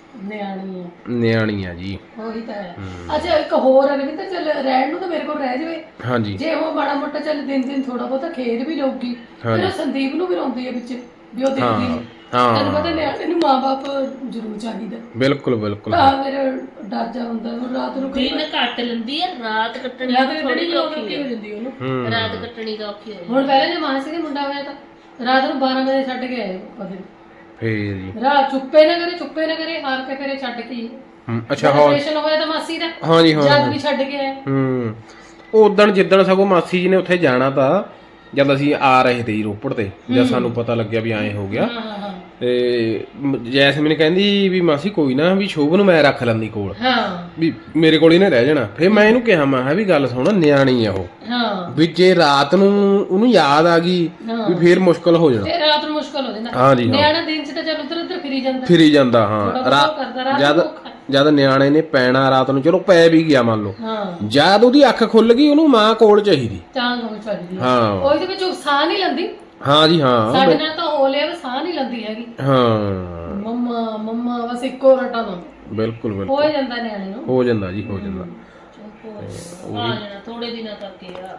D: ਨਿਆਣੀ
A: ਆ ਜੀ।
D: ਉਹੀ ਤਾਂ ਹੈ। ਅੱਛਾ ਇੱਕ ਹੋਰ ਹੈ ਵੀ ਤਾਂ ਚੱਲ ਰਹਿਣ ਨੂੰ ਤਾਂ ਮੇਰੇ ਕੋਲ ਰਹਿ ਜਾਵੇ।
A: ਹਾਂਜੀ
D: ਜੇ ਉਹ ਮਾੜਾ ਮੋਟਾ ਚੱਲ ਦਿਨ ਥੋੜਾ ਬਹੁਤਾ ਖੇਡ ਵੀ ਲਊਗੀ, ਫਿਰ ਉਹ ਸੰਦੀਪ ਨੂੰ ਵੀ ਰੋਂਦੀ ਹੈ ਵਿੱਚ ਵੀ ਉਹ ਦੇਖਦੀ ਨਹੀਂ। ਤੈਨੂੰ ਪਤਾ ਨਿਆਣੇ ਨੂੰ ਮਾਂ-ਬਾਪ ਜ਼ਰੂਰ ਚਾਹੀਦਾ।
A: ਬਿਲਕੁਲ ਬਿਲਕੁਲ
D: ਤਾਂ ਮੇਰੇ ਡਰ ਜਾ ਹੁੰਦਾ ਰਾਤ ਨੂੰ
B: ਦਿਨ ਕੱਟ ਲੈਂਦੀ ਆ, ਰਾਤ ਕੱਟਣੀ ਥੋੜੀ ਔਖੀ ਹੋ ਜਾਂਦੀ ਉਹਨੂੰ। ਰਾਤ ਕੱਟਣੀ ਤਾਂ ਔਖੀ ਹੋ ਜਾਂਦੀ।
D: ਹੁਣ ਪਹਿਲਾਂ ਜੇ ਮਾਸੀ ਦੇ ਮੁੰਡਾ ਹੋਇਆ ਤਾਂ ਰਾਤ ਨੂੰ 12 ਵਜੇ ਛੱਡ ਕੇ ਆਏ ਪਤੇ
A: ਫੇਰ ਜੀ
D: ਰਾਤ ਚੁੱਪੇ ਨਾ ਕਰੇ ਹਾਰ ਕੇ ਫਿਰ ਛੱਡ ਕੇ।
A: ਅੱਛਾ
D: ਆਪਰੇਸ਼ਨ ਹੋਇਆ ਤਾਂ ਮਾਸੀ ਦਾ
A: ਹਾਂਜੀ
D: ਜਦ ਵੀ ਛੱਡ ਕੇ ਆਏ।
A: ਉਹ ਉਦਣ ਜਿੱਦਣ ਸਗੋਂ ਮਾਸੀ ਜੀ ਨੇ ਉੱਥੇ ਜਾਣਾ ਤਾਂ ਜਦ ਅਸੀਂ ਆ ਰਹੇ ਤੇ ਰੋਪੜ ਤੇ, ਜਦ ਸਾਨੂੰ ਪਤਾ ਲੱਗਿਆ ਵੀ ਐਂ ਹੋ ਗਿਆ ਤੇ ਜੈਸਮੀਨ ਕਹਿੰਦੀ ਵੀ ਮਾਸੀ ਕੋਈ ਨਾ ਵੀ ਸ਼ੋਭ ਨੂੰ ਮੈਂ ਰੱਖ ਲੈਂਦੀ ਕੋਲ, ਵੀ ਮੇਰੇ ਕੋਲ ਹੀ ਨਾ ਰਹਿ ਜਾਣਾ। ਫਿਰ ਮੈਂ ਇਹਨੂੰ ਕਿਹਾ ਮੈਂ ਵੀ ਗੱਲ ਸੁਣ, ਨਿਆਣੀ ਆ ਉਹ, ਵੀ ਜੇ ਰਾਤ ਨੂੰ ਉਹਨੂੰ ਯਾਦ ਆ ਗਈ ਵੀ ਫੇਰ ਮੁਸ਼ਕਲ ਹੋ ਜਾਣਾ।
D: ਰਾਤ ਨੂੰ ਮੁਸ਼ਕਲ ਹੋ ਜਾਂਦਾ।
A: ਹਾਂਜੀ
D: ਨਿਆਣਾ ਦਿਨ ਚ ਤਾਂ ਚੱਲ ਉੱਧਰ ਫਿਰੀ ਜਾਂਦਾ
A: ਹਾਂ। ਜਦ ਨਿਆਣੇ ਨੇ ਪੈਣਾ ਰਾਤ ਨੂੰ, ਚਲੋ ਪੈ ਵੀ ਗਿਆ ਮੰਨ ਲਓ, ਜਦ ਉਹਦੀ ਅੱਖ ਖੁੱਲ ਗਈ ਉਹਨੂੰ ਮਾਂ ਕੋਲ ਚਾਹੀਦੀ। ਹਾਂ
D: ਉਹਦੇ ਵਿੱਚ ਸਾਹ ਨਹੀਂ ਲੈਂਦੀ।
A: ਹਾਂ ਜੀ ਹਾਂ,
D: ਸਾਡੇ ਨਾਲ ਤਾਂ ਹੋ ਲਿਆ ਸਾਹ ਨਹੀਂ ਲੈਂਦੀ ਹੈਗੀ।
A: ਹਾਂ
D: ਮੰਮਾ ਬਸ ਇੱਕੋ ਰਟਾ ਨਾ।
A: ਬਿਲਕੁਲ
D: ਹੋ ਜਾਂਦਾ ਨਿਆਣੇ ਨੂੰ,
A: ਹੋ ਜਾਂਦਾ ਜੀ, ਹੋ ਜਾਂਦਾ।
B: ਆ ਜਾਣਾ ਥੋੜੇ ਦਿਨਾਂ ਤੱਕ ਹੀ ਆ।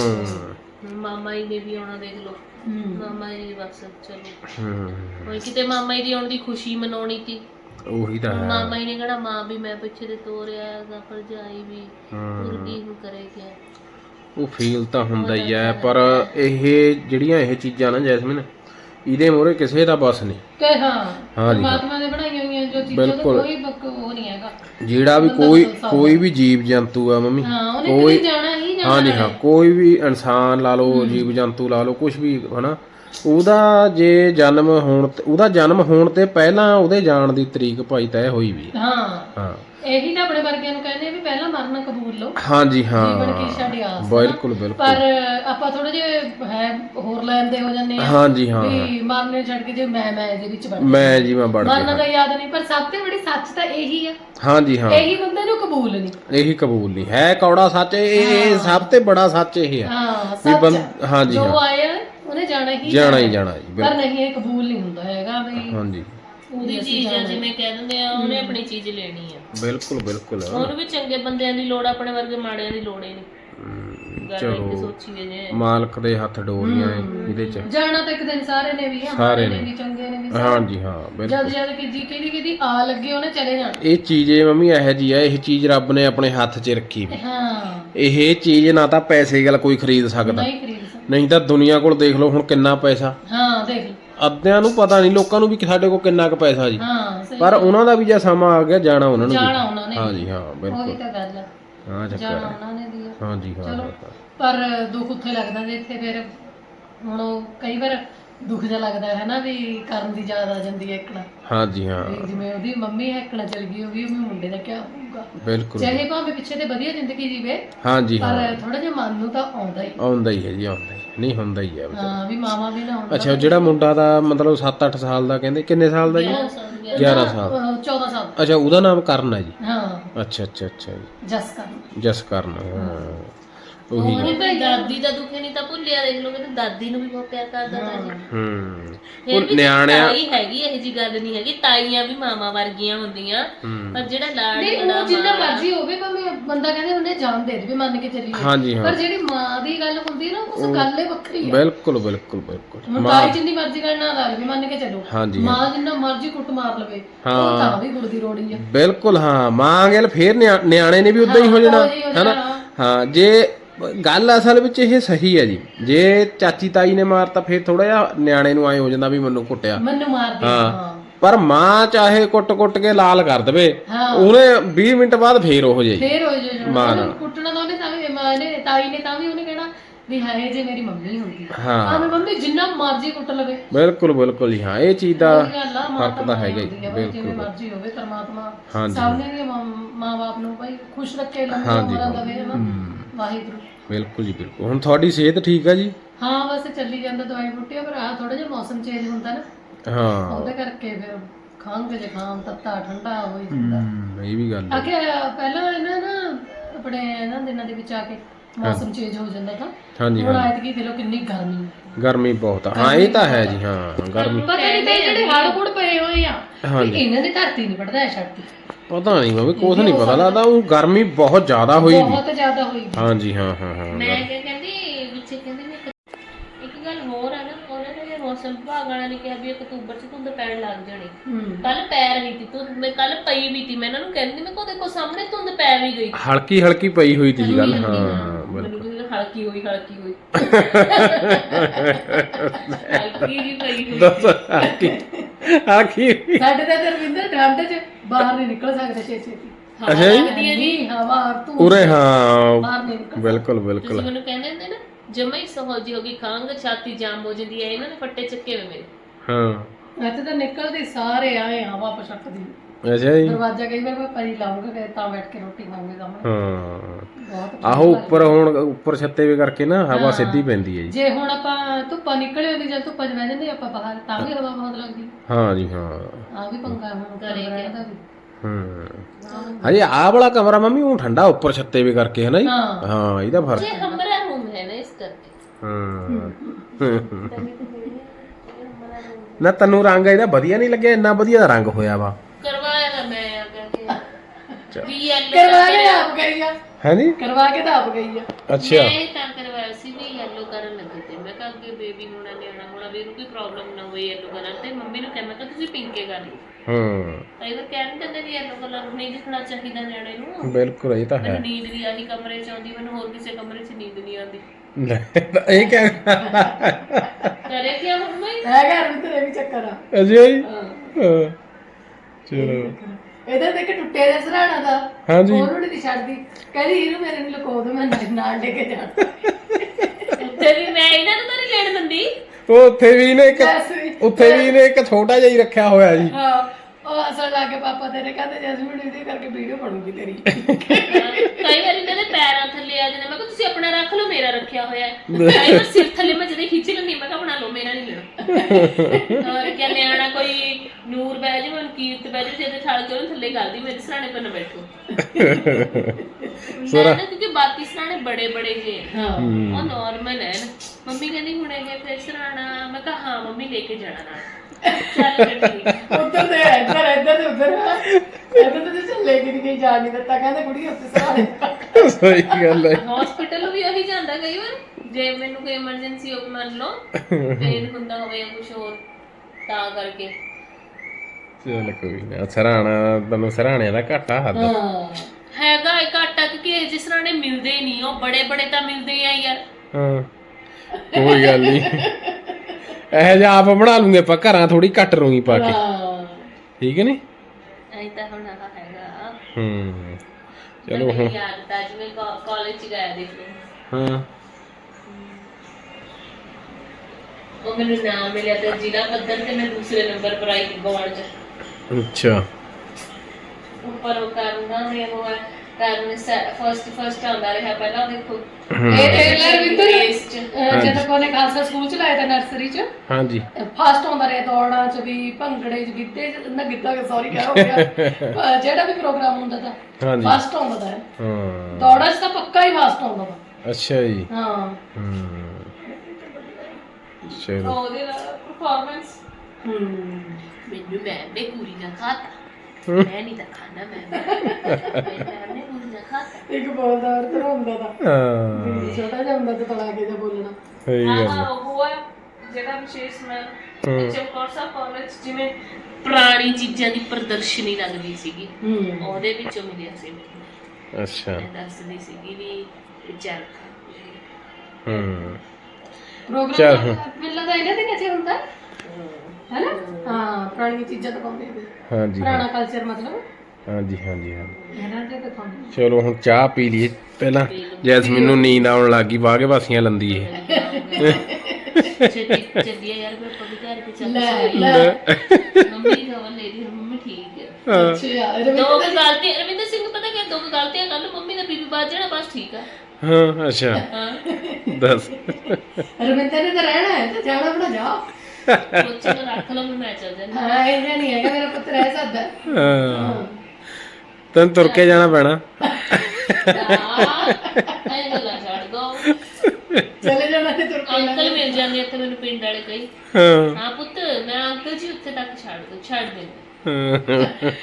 B: ਮਾਮਾ ਜੀ ਨੇ ਵੀ ਆਉਣਾ, ਦੇਖ ਲਓ ਮਾਮਾ ਜੀ ਬਸ ਚਲੋ ਕੋਈ ਕਿਤੇ ਮਾਮਾ ਜੀ ਦੀ ਆਉਣ ਦੀ ਖੁਸ਼ੀ ਮਨਾਉਣੀ ਸੀ।
A: ਉਹੀ ਤਾਂ ਹੈ।
B: ਮਾਮਾ ਜੀ ਨੇ ਕਹਿਣਾ ਮਾਂ ਵੀ ਮੈਂ ਪਿੱਛੇ ਦੇ ਤੋਰਿਆ ਹੈਗਾ, ਭਰਜਾਈ ਵੀ ਕੀ ਹੁਣ ਕਰੇ ਗਿਆ।
A: ਉਹ ਫੀਲ ਤਾਂ ਹੁੰਦਾ ਹੀ ਹੈ, ਪਰ ਇਹ ਜਿਹੜੀਆਂ ਇਹ ਚੀਜ਼ਾਂ ਨਾ ਜੈਸਮੀਨ, ਇਹਦੇ ਮੋਰੇ ਕਿਸੇ ਦਾ ਬਸ ਨਹੀਂ
D: ਕਿ ਹਾਂ ਪਰਮਾਤਮਾ ਨੇ ਬਣਾਈਆਂ ਹੋਈਆਂ ਜੋ ਚੀਜ਼ਾਂ ਦਾ ਕੋਈ ਉਹ ਨਹੀਂ ਹੈਗਾ।
A: ਜਿਹੜਾ ਵੀ ਕੋਈ ਵੀ ਜੀਵ ਜੰਤੂ ਆ ਮੰਮੀ,
D: ਕੋਈ ਜਾਣਾ ਹੀ ਜਾਣਾ।
A: ਹਾਂਜੀ ਹਾਂ, ਕੋਈ ਵੀ ਇਨਸਾਨ ਲਾ ਲਓ, ਜੀਵ ਜੰਤੂ ਲਾ ਲਓ, ਕੁਝ ਵੀ ਹਨਾ, ਉਹਦਾ ਜੇ ਜਨਮ ਹੋਣ ਤੇ ਪਹਿਲਾਂ ਉਹਦੇ ਜਾਣ ਦੀ ਤਰੀਕ ਭਾਈ ਤੈਅ ਹੋਈ ਵੀ। ਹਾਂ
D: ਇਹੀ ਤਾਂ ਆਪਣੇ ਵਰਗਿਆਂ ਨੂੰ ਕਹਿੰਦੇ ਆ ਵੀ ਪਹਿਲਾਂ ਮਰਨਾ ਕਬੂਲ ਲਓ।
A: ਹਾਂਜੀ ਹਾਂ,
D: ਜੀਵਨ ਕੀ ਸਾਡੀ ਆਸ।
A: ਬਿਲਕੁਲ ਬਿਲਕੁਲ।
D: ਪਰ ਆਪਾਂ ਥੋੜੇ ਜਿਹੇ ਹੈ ਹੋਰ ਲੈਣ ਦੇ ਹੋ ਜਾਂਦੇ ਆ।
A: ਹਾਂਜੀ ਹਾਂ,
D: ਵੀ ਮਰਨੇ ਛੱਡ ਕੇ ਜੇ ਮੈਂ ਇਹਦੇ ਵਿੱਚ ਵੜ
A: ਮੈਂ ਜੀ ਮੈਂ ਵੜ ਗਿਆ।
D: ਮਰਨਾ ਤਾਂ ਯਾਦ ਨਹੀਂ, ਪਰ ਸਭ ਤੋਂ ਬੜੀ ਸੱਚ ਤਾਂ ਇਹੀ ਆ।
A: ਹਾਂਜੀ ਹਾਂ,
D: ਇਹੀ ਬੰਦੇ ਨੂੰ ਕਬੂਲ ਨਹੀਂ।
A: ਇਹੀ ਕਬੂਲ ਨਹੀਂ ਹੈ, ਕੌੜਾ ਸੱਚ ਇਹ ਸਭ ਤੋਂ ਬੜਾ ਸੱਚ ਇਹ ਆ। ਹਾਂਜੀ
D: ਜੋ
A: ਹਾਂ,
D: ਆਇਆ ਉਹਨੇ ਜਾਣਾ ਹੀ
A: ਜਾਣਾ ਜੀ।
D: ਪਰ ਨਹੀਂ ਇਹ ਕਬੂਲ ਨਹੀਂ ਹੁੰਦਾ ਹੈਗਾ ਵੀ
A: ਹਾਂਜੀ
B: ਉਹਦੀ ਚੀਜ਼ ਆ, ਜਿਵੇਂ ਕਹਿ ਦਿੰਦੇ ਆ ਉਹਨੇ ਆਪਣੀ ਚੀਜ਼ ਲੈਣੀ ਆ।
A: ਬਿਲਕੁਲ ਬਿਲਕੁਲ।
B: ਉਹਨੂੰ ਵੀ ਚੰਗੇ ਬੰਦਿਆਂ ਦੀ ਲੋੜ, ਆਪਣੇ ਵਰਗੇ ਮਾੜਿਆਂ ਦੀ ਲੋੜ ਹੀ ਨਹੀਂ।
A: ਚਲੋ ਮਾਲਕ ਦੇ ਹੱਥ ਡੋਰੀਆਂ ਇਹਦੇ ਚ।
D: ਜਾਣਾ ਤਾਂ ਇੱਕ ਦਿਨ ਸਾਰੇ ਨੇ ਵੀ,
A: ਸਾਰੇ ਨੇ
D: ਵੀ ਚੰਗੇ ਨੇ ਵੀ।
A: ਹਾਂਜੀ ਹਾਂ ਬਿਲਕੁਲ।
D: ਜਦ ਕਿ ਜੀ ਕਿਹਦੀ ਆ ਲੱਗੇ ਉਹਨੇ ਚਲੇ ਜਾਣਾ।
A: ਇਹ ਚੀਜ਼ ਮੰਮੀ ਇਹੋ ਜੀ ਆ, ਇਹ ਚੀਜ਼ ਰੱਬ ਨੇ ਆਪਣੇ ਹੱਥ 'ਚ ਰੱਖੀ ਵੀ। ਇਹ ਚੀਜ਼ ਨਾ ਤਾਂ ਪੈਸੇ ਗੱਲ ਕੋਈ ਖਰੀਦ ਸਕਦਾ, ਨਹੀਂ ਤਾਂ ਦੁਨੀਆ ਕੋਲ ਦੇਖ ਲਓ ਹੁਣ ਕਿੰਨਾ ਪੈਸਾ।
D: ਦੇਖ
A: ਅੱਧਿਆਂ ਨੂੰ ਪਤਾ ਨਹੀਂ, ਲੋਕਾਂ ਨੂੰ ਵੀ ਸਾਡੇ ਕੋਲ ਕਿੰਨਾ ਕੁ ਪੈਸਾ ਜੀ, ਪਰ ਉਹਨਾਂ ਦਾ ਵੀ ਜੇ ਸਮਾਂ ਆ ਗਿਆ ਜਾਣਾ ਉਹਨਾਂ ਨੂੰ। ਹਾਂਜੀ ਹਾਂ ਬਿਲਕੁਲ,
D: ਜਾਣਾ ਉਹਨਾਂ ਨੇ ਵੀ।
A: ਹਾਂਜੀ ਹਾਂ,
D: ਪਰ ਦੁੱਖ ਉੱਥੇ ਲੱਗਦਾ ਜੇ ਇੱਥੇ ਫਿਰ ਹੁਣ ਉਹ ਕਈ ਵਾਰ ਦੁੱਖ ਜਿਹਾ ਲੱਗਦਾ ਹੈ ਨਾ ਵੀ ਕਰਨ ਦੀ ਯਾਦ ਆ ਜਾਂਦੀ ਹੈ ਇੱਕਣਾ।
A: ਹਾਂਜੀ ਹਾਂ,
D: ਜਿਵੇਂ ਉਹਦੀ ਮੰਮੀ ਹੈ ਇੱਕਣਾ ਚਲ ਗਈ, ਉਹ ਵੀ ਮੁੰਡੇ ਦਾ ਕਿਆ ਹੋਊਗਾ।
A: ਬਿਲਕੁਲ,
D: ਚਾਹੇ ਭਾਵੇਂ ਪਿੱਛੇ ਤੇ ਵਧੀਆ ਜ਼ਿੰਦਗੀ ਜੀਵੇ।
A: ਹਾਂਜੀ ਹਾਂ,
D: ਪਰ ਥੋੜਾ ਜਿਹਾ ਮਨ ਨੂੰ ਤਾਂ ਆਉਂਦਾ ਹੀ
A: ਹੈ ਜੀ, ਆਉਂਦਾ ਹੀ ਨਹੀਂ, ਹੁੰਦਾ ਹੀ ਹੈ
D: ਵੀ ਮਾਮਾ ਵੀ ਨਾ ਹੁੰਦਾ।
A: ਅੱਛਾ ਜਿਹੜਾ ਮੁੰਡਾ ਦਾ ਮਤਲਬ 7-8 ਸਾਲ ਦਾ, ਕਹਿੰਦੇ ਕਿੰਨੇ ਸਾਲ ਦਾ ਜੀ? 11 ਸਾਲ
D: 14 ਸਾਲ
A: ਅੱਛਾ ਉਹਦਾ ਨਾਮ ਕਰਨ ਹੈ ਜੀ
D: ਹਾਂ
A: ਅੱਛਾ ਅੱਛਾ ਅੱਛਾ ਜੀ
D: ਜਸ ਕਰਨ
A: ਜਸ ਕਰਨ ਹਾਂ ਉਹੀ
B: ਉਹਨੇ ਭਾਈ ਦਾਦੀ ਦਾ ਦੁੱਖ ਨਹੀਂ ਤਾਂ ਭੁੱਲਿਆ, ਦੇਖ ਲਓ ਕਹਿੰਦੇ ਦਾਦੀ ਨੂੰ ਵੀ ਬਹੁਤ ਪਿਆਰ ਕਰਦਾ ਤਾ ਜੀ।
A: ਉਹ
B: ਫਿਰ ਵੀ
A: ਨਿਆਣਿਆਂ
B: ਤਾਈ ਹੈਗੀ, ਇਹੋ ਜੀ ਗੱਲ ਨਹੀਂ ਹੈਗੀ, ਤਾਈਆਂ ਵੀ ਮਾਵਾਂ ਵਰਗੀਆਂ ਹੁੰਦੀਆਂ, ਪਰ ਜਿਹੜਾ ਲਾਡ
D: ਨਹੀਂ
B: ਬੜਾ
D: ਉਹ ਜਿੰਨਾ ਮਰਜ਼ੀ ਹੋਵੇ ਭਾਵੇਂ ਬੰਦਾ ਕਹਿੰਦੇ ਉਹਨੇ ਜਾਨ ਦੇ ਦੇਵੇ ਮੰਨ ਕੇ ਚੱਲੀਏ,
A: ਹਾਂਜੀ ਹਾਂ
D: ਪਰ ਜਿਹੜੀ ਮਾਂ ਦੀ ਗੱਲ ਹੁੰਦੀ ਨਾ ਉਸ ਗੱਲ ਹੀ ਵੱਖਰੀ ਆ।
A: ਬਿਲਕੁਲ ਬਿਲਕੁਲ ਬਿਲਕੁਲ
D: ਹੁਣ ਤਾਈ ਜਿੰਨੀ ਮਰਜ਼ੀ ਗੱਲ ਨਾ ਲਾ ਲਵੇ ਮੰਨ ਕੇ ਚੱਲੋ,
A: ਹਾਂਜੀ
D: ਮਾਂ ਜਿੰਨਾ ਮਰਜ਼ੀ ਕੁੱਟ ਮਾਰ ਲਵੇ ਉਹ ਤਾਂ ਵੀ ਗੁੜ ਦੀ ਰੋੜੀ ਆ।
A: ਬਿਲਕੁਲ ਹਾਂ ਮਾਂ ਗੱਲ ਫੇਰ ਨਿਆਣੇ ਨੇ ਵੀ ਉਦਾਂ ਹੀ ਹੋ ਜਾਣਾ ਹੈਨਾ। ਹਾਂ ਜੇ ਗੱਲ ਅਸਲ ਵਿੱਚ ਇਹ ਸਹੀ ਹੈ ਜੀ, ਜੇ ਚਾਚੀ ਤਾਈ ਨੇ ਮਾਰਤਾ ਫੇਰ ਥੋੜਾ ਜਿਹਾ ਨਿਆਣੇ ਨੂੰ ਐ ਹੋ ਜਾਂਦਾ ਵੀ ਮੈਨੂੰ ਕੁੱਟਿਆ,
D: ਮੈਨੂੰ ਮਾਰ ਦੇ।
A: ਹਾਂ ਪਰ ਮਾਂ ਚਾਹੇ ਕੁੱਟ ਕੇ ਲਾਲ ਕਰ ਦੇਵੇ,
D: ਹਾਂ
A: ਉਹਨੇ 20 ਮਿੰਟ ਬਾਅਦ ਫੇਰ ਉਹ ਜਾਈ
D: ਫੇਰ ਹੋ ਜੇ
A: ਮਾਂ ਨਾਲ।
D: ਕੁੱਟਣਾ ਤਾਂ ਉਹਨੇ ਤਾਂ ਵੀ ਮਾਂ ਨੇ ਤਾਈ ਨੇ ਤਾਂ ਵੀ ਉਹਨੇ ਕਹਿਣਾ ਵੀ ਹਾਏ ਜੇ ਮੇਰੀ ਮੰਮੀ ਹੁੰਦੀ
A: ਹਾਂ
D: ਭਾਵੇਂ ਮੰਮੀ ਜਿੰਨਾ ਮਰਜ਼ੀ ਕੁੱਟ ਲਵੇ।
A: ਬਿਲਕੁਲ ਬਿਲਕੁਲ ਜੀ ਹਾਂ ਇਹ ਚੀਜ਼ ਦਾ
D: ਉਹੀ ਗੱਲ ਆ, ਮਾਂ
A: ਫਰਕ ਤਾਂ ਹੈਗਾ ਹੀ
D: ਜਿਵੇਂ
A: ਬਿਲਕੁਲ
D: ਮਰਜ਼ੀ ਹੋਵੇ ਪਰਮਾਤਮਾ
A: ਹਾਂਜੀ
D: ਸਭ ਨੇ ਮਾਂ-ਬਾਪ ਨੂੰ ਭਾਈ ਖੁਸ਼ ਰੱਖੇ, ਲੰਮੀ ਉਮਰਾਂ ਦੇਵੇ ਹਨਾ ਵਾਹਿਗੁਰੂ।
A: ਬਿਲਕੁਲ ਜੀ ਬਿਲਕੁਲ। ਹੁਣ ਤੁਹਾਡੀ ਸਿਹਤ ਠੀਕ ਆ ਜੀ?
D: ਹਾਂ ਬਸ ਚੱਲੀ ਜਾਂਦਾ ਦਵਾਈ ਬੂਟੀਆਂ, ਪਰ ਆ ਥੋੜਾ ਜਿਹਾ ਮੌਸਮ ਚੇਂਜ ਹੁੰਦਾ ਨਾ
A: ਹਾਂ
D: ਉਹਦੇ ਕਰਕੇ ਫਿਰ ਖੰਘ ਜ਼ੁਕਾਮ ਤੱਤਾ ਠੰਡਾ ਹੋਈ ਜਾਂਦਾ।
A: ਇਹ ਵੀ ਗੱਲ ਹੈ।
D: ਆਖੇ ਪਹਿਲਾਂ ਇਹਨਾਂ ਨਾ ਆਪਣੇ ਇਹਨਾਂ ਦਿਨਾਂ ਦੇ ਵਿੱਚ ਆ ਕੇ ਮੌਸਮ ਚੇਂਜ ਹੋ ਜਾਂਦਾ ਤਾਂ
A: ਹਾਂਜੀ
D: ਹੁਣ ਐਤਕੀ ਦੇਖੋ ਕਿੰਨੀ
A: ਗਰਮੀ ਬਹੁਤ ਆ। ਹਾਂ ਇਹ ਤਾਂ ਹੈ ਜੀ ਹਾਂ ਗਰਮੀ
D: ਪਤਾ ਨਹੀਂ ਤੇ ਜਿਹੜੇ ਹੜ ਹੁੜ ਪਏ ਹੋਏ ਆ ਇਹਨਾਂ ਦੀ ਧਰਤੀ ਨਹੀਂ ਪੜਦਾ ਐ ਛੱਡਦੀ
A: ਪਤਾ ਨਹੀਂ ਮੰਮੀ ਕੁਛ ਨਹੀਂ ਪਤਾ ਲੱਗਦਾ, ਉਹ ਗਰਮੀ ਬਹੁਤ ਜ਼ਿਆਦਾ ਹੋਈ ਵੀ।
D: ਬਹੁਤ ਜ਼ਿਆਦਾ ਹੋਈ ਵੀ।
A: ਹਾਂਜੀ ਹਾਂ ਹਾਂ ਹਾਂ
B: ਮੈਂ ਕਿਹਾ ਕਹਿੰਦੀ ਵਿੱਚ ਕਹਿੰਦੇ ਨੇ ਇੱਕ ਗੱਲ ਹੋਰ ਆ ਨਾ, ਉਹਨਾਂ ਨੇ ਮੌਸਮ ਵਿਭਾਗ ਵਾਲਿਆਂ ਨੇ ਕਿਹਾ ਵੀ ਅਕਤੂਬਰ ਚ ਧੁੰਦ ਪੈਣ ਲੱਗ ਜਾਣੀ। ਕੱਲ ਪੈ ਰਹੀ ਸੀ ਧੁੰਦ, ਮੈਂ ਕੱਲ ਪਈ ਵੀ ਸੀ, ਮੈਂ ਇਹਨਾਂ ਨੂੰ ਕਹਿੰਦੀ ਮੈਂ ਕੋ ਦੇਖੋ ਸਾਹਮਣੇ ਧੁੰਦ ਪੈ ਵੀ ਗਈ,
A: ਹਲਕੀ ਹਲਕੀ ਪਈ ਹੋਈ ਤੀ ਗੱਲ। ਹਾਂ
B: ਮੈਨੂੰ ਹਲਕੀ ਹੋਈ ਹਲਕੀ ਜੀ ਪਈ ਹੋਈ।
A: ਦੱਸ ਹਲਕੀ
D: ਸਾਡੇ ਤਾਂ ਰਵਿੰਦਰ ਠੰਡ ਚ ਬਾਹਰ ਨਹੀਂ ਨਿਕਲ ਸਕਦੇ ਛੇਤੀ।
A: ਅੱਛਾ
D: ਜੀ ਜੀ ਹਵਾ ਤੂੰ
A: ਉਰੇ ਹਾਂ
D: ਬਾਹਰ ਨਹੀਂ ਨਿਕਲ।
A: ਬਿਲਕੁਲ ਬਿਲਕੁਲ।
B: ਤੁਸੀਂ ਮੈਨੂੰ ਕਹਿੰਦੇ ਹੁੰਦੇ ਨਾ ਜਮਾ ਹੀ ਸਹੋਜੀ ਹੋ ਗਈ, ਖੰਘ ਛਾਤੀ ਜਾਮ ਹੋ ਜਾਂਦੀ ਹੈ, ਇਹਨਾਂ ਨੇ ਫੱਟੇ ਚੱਕੇ ਵੇ ਮੇਰੇ।
A: ਹਾਂ
D: ਇੱਥੇ ਤਾਂ ਨਿਕਲਦੇ ਸਾਰੇ ਆਏ ਹਵਾ ਪਛਕਦੀ।
A: ਅੱਛਾ ਜੀ
D: ਦਰਵਾਜ਼ਾ ਕਈ ਵਾਰ ਮੈਂ ਪਰੀ ਲਾਉਂਗਾ ਫਿਰ ਤਾਂ ਬੈਠ ਕੇ ਰੋਟੀ ਖਾਵਾਂਗੇ ਸਾਹਮਣੇ।
A: ਹਾਂ
D: ਬਹੁਤ
A: ਆਹੋ ਉੱਪਰ ਹੁਣ ਉੱਪਰ ਛੱਤੇ ਵੀ ਕਰਕੇ ਨਾ ਹਵਾ ਸਿੱਧੀ ਪੈਂਦੀ ਹੈ ਜੀ।
D: ਜੇ ਹੁਣ ਆਪਾਂ ਧੁੱਪਾਂ ਨਿਕਲੇ ਹੁੰਦੀ ਜਦ ਧੁੱਪਾਂ 'ਚ ਬਹਿ ਜਾਂਦੇ ਆਪਾਂ ਬਾਹਰ ਤਾਂ ਵੀ ਹਵਾ ਬਹੁਤ ਲੱਗਦੀ।
A: ਹਾਂ ਜੀ ਹਾਂ
D: ਆ ਵੀ ਪੰਗਾ ਹੁਣ ਰਹਿੰਦਾ ਵੀ।
A: ਹਜੇ ਆਹ ਵਾਲਾ ਕਮਰਾ ਮੰਮੀ ਉਹ ਠੰਡਾ ਉੱਪਰ ਛੱਤੇ ਵੀ ਕਰਕੇ ਹੈ ਨਾ ਜੀ।
D: ਹਾਂ
A: ਹਾਂ ਇਹਦਾ ਫਰਕ
B: ਇਹ ਹਮਰਾ ਰੂਮ ਹੈ ਨਾ ਇਸ ਕਰਕੇ।
A: ਹਾਂ ਨਾ ਤੈਨੂੰ ਰੰਗ ਇਹਦਾ ਵਧੀਆ ਨਹੀਂ ਲੱਗਿਆ? ਇੰਨਾ ਵਧੀਆ ਰੰਗ ਹੋਇਆ ਵਾ।
B: ਕਰਵਾਇਆ ਨਾ ਮੈਂ ਆ ਕਰਕੇ ਵੀ ਯੈਲੋ
D: ਕਰਵਾ ਕੇ ਆਪ ਗਈ ਆ।
A: ਹੈ ਨੀ
D: ਕਰਵਾ ਕੇ ਤਾਂ ਆਪ ਗਈ ਆ।
A: ਅੱਛਾ
B: ਮੈਂ ਤਾਂ ਕਰਵਾਇਆ ਸੀ ਵੀ ਯੈਲੋ ਕਰਨ ਲੱਗੇ ਤੇ ਮੈਂ ਕਿਹਾ ਅੱਗੇ ਬੇਬੀ ਹੋਣਾ ਨਿਆਣਾ ਹੋਣਾ ਵੀ ਇਹਨੂੰ ਕੋਈ ਪ੍ਰੋਬਲਮ ਨਾ ਹੋਵੇ ਯੈਲੋ ਕਰਨ ਤੇ। ਮੰਮੀ ਨੂੰ ਕਹਿੰਦਾ ਕਿ ਤੁਸੀਂ ਪਿੰਕੇ ਕਰ ਲਓ। ਕਈ ਵਾਰ ਕਹਿ ਨਹੀਂ ਦਿੰਦੇ ਵੀ ਯੈਲੋ ਕਲਰ ਨਹੀਂ ਦਿਖਣਾ ਚਾਹੀਦਾ ਨਿਆਣੇ ਨੂੰ।
A: ਬਿਲਕੁਲ ਇਹ ਤਾਂ ਹੈ।
B: ਮੈਨੂੰ ਨੀਂਦ ਵੀ ਆਹੀ ਕਮਰੇ 'ਚ ਆਉਂਦੀ, ਮੈਨੂੰ ਹੋਰ ਕਿਸੇ ਕਮਰੇ 'ਚ ਨੀਂਦ ਨਹੀਂ ਆਉਂਦੀ।
A: ਇਹ ਕਹਿ
B: ਕਰੇ ਕੀ ਮੰਮੀ
D: ਹੈਗਾ ਰਵਿੰਦਰ ਵੀ ਚੱਕਰ ਆ।
A: ਅਜੇ ਜੀ ਚਲੋ
D: ਇਹਦਾ ਦੇਖ ਟੁੱਟੇ ਦਾ ਸਰਾਣਾ ਦਾ
A: ਹਾਂਜੀ
D: ਉਹਨੂੰ ਨਹੀਂ ਛੱਡਦੀ, ਕਹਿੰਦੀ ਇਹਨੂੰ ਮੇਰੇ ਨੂੰ ਲੁਕੋ ਦੋ ਮੈਂ ਨਾਲ ਲੈ ਕੇ ਜਾਣਾ।
B: ਉੱਥੇ ਵੀ ਮੈਂ ਇਹਨਾਂ ਨੂੰ ਤਾਂ ਨਹੀਂ ਲੈਣ ਦਿੰਦੀ।
A: ਉਹ ਉੱਥੇ ਵੀ ਨੇ ਇੱਕ ਛੋਟਾ ਜਿਹਾ ਹੀ ਰੱਖਿਆ ਹੋਇਆ ਜੀ।
D: ਹਾਂ ਉਹ ਅਸਲ ਲਾ ਕੇ ਪਾਪਾ ਤੇਰੇ ਕਹਿੰਦੇ ਜੈਸਮੀਨ ਇਹਦੇ ਕਰਕੇ ਵੀਡੀਓ ਬਣੂਗੀ ਤੇਰੀ।
B: ਕਈ ਵਾਰੀ ਇਹਨਾਂ ਦੇ ਪੈਰਾਂ ਥੱਲੇ ਆ ਜਾਂਦੇ, ਮੈਂ ਕਿਹਾ ਤੁਸੀਂ ਆਪਣਾ ਰੱਖ ਲਓ ਮੇਰਾ ਰੱਖਿਆ ਹੋਇਆ ਹੈ। ਕਈ ਵਾਰ ਸਿਰ ਥੱਲੇ ਮੈਂ ਜਦੇ ਖਿੱਚ ਲੈਂਦੀ, ਮੈਂ ਕਿਹਾ ਬਣਾ ਲਓ ਮੇਰਾ ਨਹੀਂ ਲੈਣਾ। ਔਰ ਕਿਆ ਨਿਆਣਾ ਕੋਈ ਨੂਰ ਬਹਿ ਜਾਵੇ ਕੀਰਤ ਬਹਿ ਜਾਵੇ ਜਿਹਦੇ ਠਾਲ ਕੇ ਉਹਨੂੰ ਥੱਲੇ ਕਰਦੀ ਮੇਰੇ ਸਰਾਣੇ ਪਰ ਨਾ ਬੈਠੋ। ਕਿਉਂਕਿ ਬਾਕੀ ਸਰਾਣੇ ਬੜੇ ਬੜੇ ਜੇ ਉਹ ਨਾਰਮਲ ਹੈ ਨਾ। ਮੰਮੀ ਕਹਿੰਦੀ ਹੁਣ ਇਹ ਫਿਰ ਸਰਾਣਾ, ਮੈਂ ਕਿਹਾ ਹਾਂ ਮੰਮੀ ਲੈ ਕੇ ਜਾਣਾ ਨਾਲ। ਚੱਲ ਫਿਰ ਠੀਕ।
D: ਉੱਧਰ ਦੇ ਇੱਧਰ ਤੇ ਉੱਧਰ ਤੇ ਚੱਲੇ ਕਿ ਨਹੀਂ ਜਾ ਨਹੀਂ ਦਿੱਤਾ, ਕਹਿੰਦੇ ਕੁੜੀ ਉੱਤੇ ਸਰਾਣੇ।
A: ਸਹੀ ਗੱਲ ਹੈ।
B: ਹਸਪੀਟਲ ਵੀ ਉਹੀ ਜਾਂਦਾ ਕਈ ਵਾਰ, ਜੇ ਮੈਨੂੰ ਕੋਈ ਐਮਰਜੈਂਸੀ ਹੋ ਮੰਨ ਲਓ ਪੇਨ ਹੁੰਦਾ ਹੋਵੇ ਜਾਂ ਕੁਝ ਹੋਰ ਤਾਂ ਕਰਕੇ।
A: ਚਲ ਕੋਈ ਨਾ ਸਰਾਣਾ ਤੈਨੂੰ ਸਰਾਣਿਆਂ ਦਾ ਘਾਟਾ ਹੱਦ
B: ਹੈਗਾ ਇੱਕ ਘਾਟਾ, ਕਿਉਂਕਿ ਇਹ ਜਿਸ ਤਰ੍ਹਾਂ ਨੇ ਮਿਲਦੇ ਨਹੀਂ, ਉਹ ਬੜੇ ਬੜੇ ਤਾਂ ਮਿਲਦੇ ਆ ਯਾਰ।
A: ਹਾਂ ਕੋਈ ਗੱਲ ਨਹੀਂ ਇਹ ਜਿਹਾ ਆਪ ਬਣਾ ਲੂੰਗੇ ਆਪਾਂ ਘਰਾਂ, ਥੋੜੀ ਘੱਟ ਰੋਈ ਪਾ ਕੇ ਠੀਕ ਹੈ ਨੀ।
B: ਐਂ ਤਾਂ ਹੁਣ ਆਹ ਹੈਗਾ।
A: ਚਲੋ ਹੁਣ
B: ਯਾਦ ਤਾਂ ਜਿਵੇਂ ਕਾਲਜ ਚ ਗਿਆ ਦੇਖ ਲਓ।
A: ਹਾਂ
B: ਉਹ ਮੈਨੂੰ ਨਾਮ ਮਿਲਿਆ ਤੇ ਜ਼ਿਲ੍ਹਾ ਪੱਧਰ ਤੇ ਮੈਂ ਦੂਸਰੇ ਨੰਬਰ ਪਰ ਆਈ ਗਵਾਂਢ ਚ।
A: ਅੱਛਾ
B: ਉੱਪਰ ਉਹ ਕਰੂੰਗਾ ਮੈਂ ਉਹ ਕਰਨ ਫਸਟ ਆਉਂਦਾ ਰਿਹਾ ਪਹਿਲਾਂ ਦੇਖੋ
D: ਇਹ ਰਵਿੰਦਰ
B: ਰੇਸ ਚ
D: ਜਦੋਂ ਕੋਨੇ ਖਾਲਸਾ ਸਕੂਲ ਚ ਲਾਇਆ ਤਾਂ ਨਰਸਰੀ ਚ
A: ਹਾਂਜੀ
D: ਫਸਟ ਆਉਂਦਾ ਰਿਹਾ ਦੌੜਾਂ ਚ ਵੀ ਭੰਗੜੇ ਚ ਗਿੱਧੇ ਚ ਨਾ ਗਿੱਧਾ ਸੌਰੀ ਕਿਆ ਹੋ ਗਿਆ ਜਿਹੜਾ ਵੀ ਪ੍ਰੋਗਰਾਮ ਹੁੰਦਾ ਤਾਂ
A: ਹਾਂਜੀ
D: ਫਸਟ ਆਉਂਦਾ ਤਾਂ
A: ਹਾਂ
D: ਦੌੜਾਂ ਚ ਤਾਂ ਪੱਕਾ ਹੀ ਫਸਟ ਆਉਂਦਾ ਤਾਂ
A: ਅੱਛਾ ਜੀ
D: ਹਾਂ
A: ਚਲੋ
B: ਉਹਦੇ ਪਰਫਾਰਮੈਂਸ ਮੈਨੂੰ ਮੈਂ ਬੇਕੂਰੀ ਨਾ ਖਾਤਾ ਮੈਂ ਨਹੀਂ ਤਾਂ ਖਾਣਾ ਮੈਂ ਨੇ ਕੁਝ ਨਾ ਖਾਤਾ
D: ਇੱਕ ਬੋਲਦਾ ਔਰ ਤਾਂ ਹੁੰਦਾ ਤਾਂ
A: ਹਾਂ
D: ਛੋਟਾ ਜਿਹਾ ਹੁੰਦਾ ਤਾਂ ਤਲਾ ਕੇ ਜਾ ਬੋਲਣਾ
A: ਸਹੀ ਗੱਲ ਹੈ
B: ਉਹ ਹੈ ਜਿਹੜਾ ਵਿਸ਼ੇਸ਼ ਮੈਂ ਚਮਕੌਰ ਸਾਹਿਬ ਕਾਲਜ ਜਿਵੇਂ ਪੁਰਾਣੀ ਚੀਜ਼ਾਂ ਦੀ ਪ੍ਰਦਰਸ਼ਨੀ ਲੱਗਦੀ ਸੀਗੀ ਉਹਦੇ ਵਿੱਚੋਂ ਮਿਲਿਆ ਸੀ ਮੈਨੂੰ
A: ਅੱਛਾ
B: ਮੈਂ ਦੱਸਦੀ ਸੀਗੀ ਵੀ ਚਰਖਾ
D: ਪ੍ਰੋਗਰਾਮ ਪਹਿਲਾਂ ਤਾਂ ਇਹਨਾਂ ਦੇ ਕਿੱਥੇ ਹੁੰਦਾ ਹੈ ਨਾ ਹਾਂ ਪੁਰਾਣੀਆਂ ਚੀਜ਼ਾਂ ਦਿਖਾਉਂਦੇ ਨੇ
A: ਹਾਂਜੀ
D: ਪੁਰਾਣਾ ਕਲਚਰ ਮਤਲਬ
A: ਹਾਂਜੀ ਹਾਂਜੀ
D: ਇਹਨਾਂ ਦੇ ਦਿਖਾਉਂਦੇ
A: ਚਲੋ ਹੁਣ ਚਾਹ ਪੀ ਲਈਏ ਪਹਿਲਾਂ ਜੈਸਮੀਨ ਨੂੰ ਨੀਂਦ ਆਉਣ ਲੱਗੀ ਬਾਗੇ ਵਾਸੀਆਂ ਲੰਦੀ ਇਹ
B: ਚੱਲੀਏ ਯਾਰ ਮੈਂ ਪੱਕੀ ਘਰ ਤੇ ਚੱਲ ਮੰਮੀ ਖਬਰ ਲੈ ਲਈ ਮੰਮੀ ਠੀਕ ਹੈ
D: ਅੱਛਾ
B: ਦੋ ਕੁ ਗਲਤੀਆਂ ਰਵਿੰਦਰ ਸਿੰਘ ਪਤਾ ਕਿ ਦੋ ਕੁ ਗਲਤੀਆਂ ਕਰ ਲਓ ਮੰਮੀ ਦਾ ਬੀਬੀ ਬਾਜ ਜਾਣਾ ਬਸ ਠੀਕ ਆ
A: ਹਾਂ ਅੱਛਾ ਦੱਸ
D: ਰਵਿੰਦਰ ਨੇ ਤਾਂ ਰਹਿਣਾ ਹੈ ਤਾਂ ਜਾਣਾ ਆਪਣਾ ਜਾ
B: ਸੋਚੇ ਨੂੰ ਰੱਖ ਲਓ ਮੈਂ ਚੱਲ ਜਾਣਾ
D: ਹਾਂ ਇਹ ਨਹੀਂ ਹੈਗਾ ਮੇਰਾ ਪੁੱਤ ਰਹਿ ਸਕਦਾ
A: ਹਾਂ ਤੈਨੂੰ ਤੁਰ ਕੇ ਜਾਣਾ ਪੈਣਾ
B: ਐਂ ਗੱਲਾਂ ਛੱਡ ਦੋ
D: ਚਲੇ ਜਾਣਾ ਤੇ ਤੁਰ ਕੇ
B: ਅੰਕਲ ਮਿਲ ਜਾਂਦੇ ਇੱਥੇ ਮੈਨੂੰ ਪਿੰਡ ਵਾਲੇ ਕਈ
A: ਹਾਂ
B: ਹਾਂ ਪੁੱਤ ਮੈਂ ਅੰਕਲ ਜੀ ਉੱਥੇ ਤੱਕ ਛੱਡ ਦੇ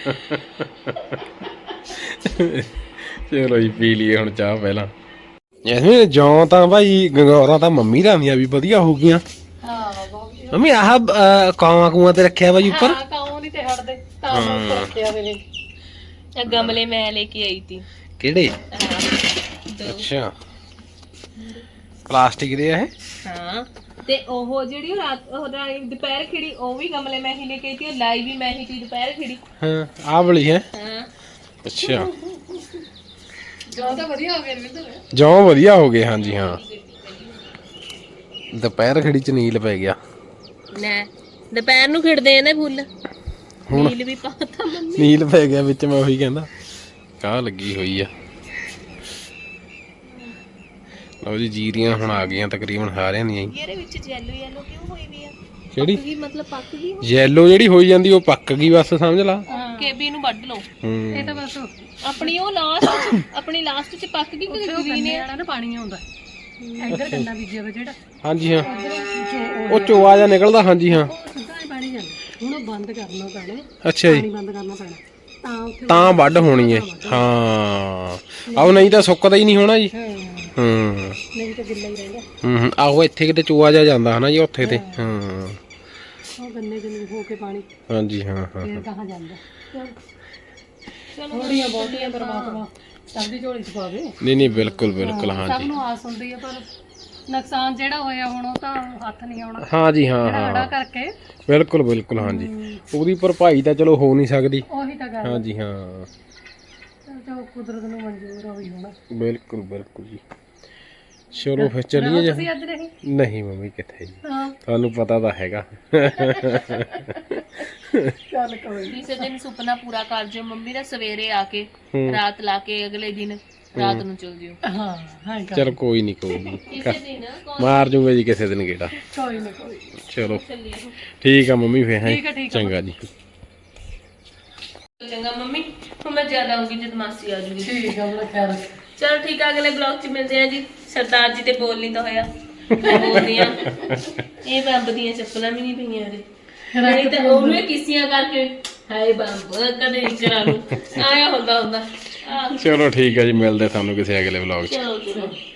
A: ਚਲੋ ਜੀ ਪੀ ਲਈਏ ਹੁਣ ਚਾਹ ਪਹਿਲਾਂ ਜੈਸਮੀਨ ਜੌਂ ਤਾਂ ਭਾਈ ਗੰਗੌਰਾਂ ਤਾਂ ਮੰਮੀ ਦਾ ਵੀ ਵਧੀਆ ਹੋ ਗਈਆਂ
D: ਹਾਂ ਬਹੁਤ
A: ਮੰਮੀ ਆਹ ਕਾਵਾਂ ਕੂਆਂ ਤੇ ਰੱਖਿਆ ਵਾ ਜੀ ਉੱਪਰ
D: ਹਾਂ ਕਾਉਂ ਨਹੀਂ ਤੇ ਹਟਦੇ ਤਾਂ ਉੱਪਰ ਰੱਖਿਆ ਵੇ ਨੇ
B: ਇਹ ਗਮਲੇ ਮੈਂ ਲੈ ਕੇ ਆਈ ਤੀ
A: ਕਿਹੜੇ ਅੱਛਾ ਪਲਾਸਟਿਕ ਦੇ ਆ ਇਹ
B: ਹਾਂ ਤੇ ਉਹ ਜਿਹੜੀ ਦੁਪਹਿਰ ਖਿੜੀ ਉਹ ਵੀ ਗਮਲੇ ਮੈਂ ਹੀ ਲੈ ਕੇ ਆਈ ਤੀ ਲਾਈ ਵੀ ਮੈਂ ਹੀ ਤੀ ਦੁਪਹਿਰ ਖਿੜੀ
A: ਹਾਂ ਆਹ ਵਾਲੀ ਹੈ
B: ਹਾਂ
A: ਅੱਛਾ
D: ਜੋ ਤਾਂ ਵਧੀਆ ਹੋ ਗਿਆ ਰਵਿੰਦਰ
A: ਜੌਂ ਵਧੀਆ ਹੋ ਗਏ ਹਾਂਜੀ ਹਾਂ ਦੁਪਹਿਰ ਖੜੀ ਚ ਨੀਲ ਪੈ ਗਿਆ
B: ਨਾ ਦੁਪਹਿਰ ਨੂੰ ਖਿੜਦੇ ਆ ਨਾ ਫੁੱਲ ਨੀਲ ਵੀ ਪਾਤਾ ਮੰਮੀ
A: ਨੀਲ ਪੈ ਗਿਆ ਵਿੱਚ ਮੈਂ ਉਹੀ ਕਹਿੰਦਾ ਕਾਹ ਲੱਗੀ ਹੋਈ ਆ ਲਓ ਜੀ ਜੀਰੀਆਂ ਹੁਣ ਆ ਗਈਆਂ ਤਕਰੀਬਨ ਸਾਰਿਆਂ ਦੀਆਂ ਹੀ
B: ਇਹਦੇ ਵਿੱਚ ਯੈਲੋ ਕਿਉਂ ਹੋਈ ਵੀ ਆ
A: ਕਿਹੜੀ
B: ਕੀ ਮਤਲਬ ਪੱਕ ਗਈ
A: ਯੈਲੋ ਜਿਹੜੀ ਹੋਈ ਜਾਂਦੀ ਉਹ ਪੱਕ ਗਈ ਬਸ ਸਮਝ ਲਾ
B: ਕੇਬੀ ਨੂੰ ਵੱਢ ਲਓ
D: ਇਹ ਤਾਂ ਬਸ
B: ਆਪਣੀ ਉਹ ਲਾਸਟ ਚ ਪੱਕ ਗਈ ਕਿ ਗ੍ਰੀਨ ਹੈ
D: ਨਾ ਪਾਣੀ ਆਉਂਦਾ ਇੱਧਰ ਗੰਨਾ ਬੀਜਿਆ ਵਾ ਜਿਹੜਾ
A: ਹਾਂਜੀ ਹਾਂ ਉਹ ਚੋਆ ਜਾਂ ਨਿਕਲਦਾ ਹਾਂਜੀ ਹਾਂ
D: ਸਿੱਧਾ ਹੀ ਪਾਣੀ ਜਾਂਦਾ ਹੁਣ ਉਹ ਬੰਦ ਕਰਨਾ ਪੈਣਾ
A: ਅੱਛਾ ਜੀ
D: ਪਾਣੀ ਬੰਦ ਕਰਨਾ ਪੈਣਾ ਤਾਂ ਉੱਥੇ
A: ਤਾਂ ਵੱਢ ਹੋਣੀ ਹੈ ਹਾਂ ਆਹ ਨਹੀਂ ਤਾਂ ਸੁੱਕਦਾ ਹੀ ਨਹੀਂ ਹੋਣਾ ਜੀ
D: ਨਹੀਂ ਤਾਂ ਗਿੱਲਾ ਹੀ ਰਹਿੰਦਾ
A: ਆਹੋ ਇੱਥੇ ਕਿਤੇ ਚੋਆ ਜਾ ਜਾਂਦਾ ਹਨਾ ਜੀ ਉੱਥੇ ਤੇ ਹਾਂ
D: ਉਹ ਗੰਨੇ ਜਿੰਨੇ ਹੋ ਕੇ ਪਾਣੀ
A: ਹਾਂਜੀ ਹਾਂ
D: ਫੇਰ ਕਹਾਂ ਜਾਂਦਾ ਥੋੜੀਆਂ ਬਹੁਤੀਆਂ ਪਰਮਾਤਮਾ ਸਭ ਦੀ ਝੋਲੀ ਚ ਪਾਵੇ
A: ਨਹੀਂ ਬਿਲਕੁਲ ਬਿਲਕੁਲ
D: ਸਭ
A: ਹਾਂਜੀ
D: ਨੂੰ ਆਸ ਹੁੰਦੀ ਹੈ ਪਰ ਨੁਕਸਾਨ ਜਿਹੜਾ ਹੋਇਆ ਹੁਣ ਉਹ ਤਾਂ ਹੱਥ ਨਹੀਂ ਆਉਣਾ
A: ਹਾਂਜੀ ਹਾਂ
D: ਹੜਾ
A: ਹਾਂ
D: ਕਰਕੇ
A: ਬਿਲਕੁਲ ਬਿਲਕੁਲ ਹਾਂਜੀ ਉਹਦੀ ਭਰਪਾਈ ਤਾਂ ਚਲੋ ਹੋ ਨਹੀਂ ਸਕਦੀ
D: ਉਹੀ ਤਾਂ ਗੱਲ
A: ਹਾਂਜੀ ਹਾਂ
D: ਜੋ ਕੁਦਰਤ ਨੂੰ ਮਨਜ਼ੂਰ ਹੋਈ ਹੋਣਾ
A: ਬਿਲਕੁਲ ਬਿਲਕੁਲ ਜੀ ਚਲੋ ਫਿਰ ਚੱਲੀਏ ਜੀ
D: ਤੁਸੀਂ ਅੱਜ ਨਹੀਂ
A: ਨਹੀਂ ਮੰਮੀ ਕਿੱਥੇ ਜੀ
D: ਹਾਂ
A: ਤੁਹਾਨੂੰ ਪਤਾ ਤਾਂ ਹੈਗਾ
D: ਚੱਲ ਕੋਈ
B: ਕਿਸੇ ਦਿਨ ਸੁਪਨਾ ਪੂਰਾ ਕਰ ਜਿਓ ਮੰਮੀ ਦਾ ਸਵੇਰੇ ਆ ਕੇ ਰਾਤ ਲਾ ਕੇ ਅਗਲੇ ਦਿਨ ਰਾਤ ਨੂੰ ਚਲ ਜਿਓ
D: ਹਾਂ ਹਾਂ
A: ਚਲ ਕੋਈ ਨਹੀਂ ਕੋਈ ਨਹੀਂ
B: ਕਿਸੇ ਦਿਨ
A: ਮਾਰ ਜੂਗਾ ਜੀ ਕਿਸੇ ਦਿਨ ਗੇੜਾ
D: ਕੋਈ ਨਹੀਂ ਕੋਈ
A: ਚਲੋ
B: ਚੱਲੀਏ
A: ਠੀਕ ਆ ਮੰਮੀ ਫੇਰ ਹੈ
D: ਠੀਕ ਆ, ਠੀਕ ਆ।
A: ਚੰਗਾ ਜੀ
B: ਚੰਗਾ ਮੰਮੀ ਹੁਣ ਮੈਂ ਜ਼ਿਆਦਾ ਆਉਂਗੀ ਜਦ ਮਾਸੀ ਆ ਜੂਗੀ
D: ਠੀਕ ਆ ਬੜਾ ਖਿਆਲ ਰੱਖ।
B: ਚਲੋ ਠੀਕ ਆ ਅਗਲੇ ਬਲੌਗ 'ਚ ਮਿਲਦੇ ਆ ਜੀ ਸਰਦਾਰ ਜੀ ਤੇ ਬੋਲ ਨਹੀਂ ਤਾਂ ਹੋਇਆ ਬੋਲਦੀ ਆ ਇਹ ਬੰਬ ਦੀਆਂ ਚੱਪਲਾਂ ਵੀ ਨਹੀਂ ਪਈਆਂ ਇਹਦੇ ਨਹੀਂ ਤਾਂ ਉਹਨੂੰ ਕਿਸੀਆਂ ਕਰਕੇ ਹਾਏ ਬੰਬ ਕਦੇ ਨਹੀਂ ਕਰਾ ਲੂ ਆਇਆ ਹੁੰਦਾ
A: ਚਲੋ ਠੀਕ ਹੈ ਜੀ ਮਿਲਦੇ ਤੁਹਾਨੂੰ ਕਿਸੇ ਅਗਲੇ ਵਲੌਗ 'ਚ
B: ਚਲੋ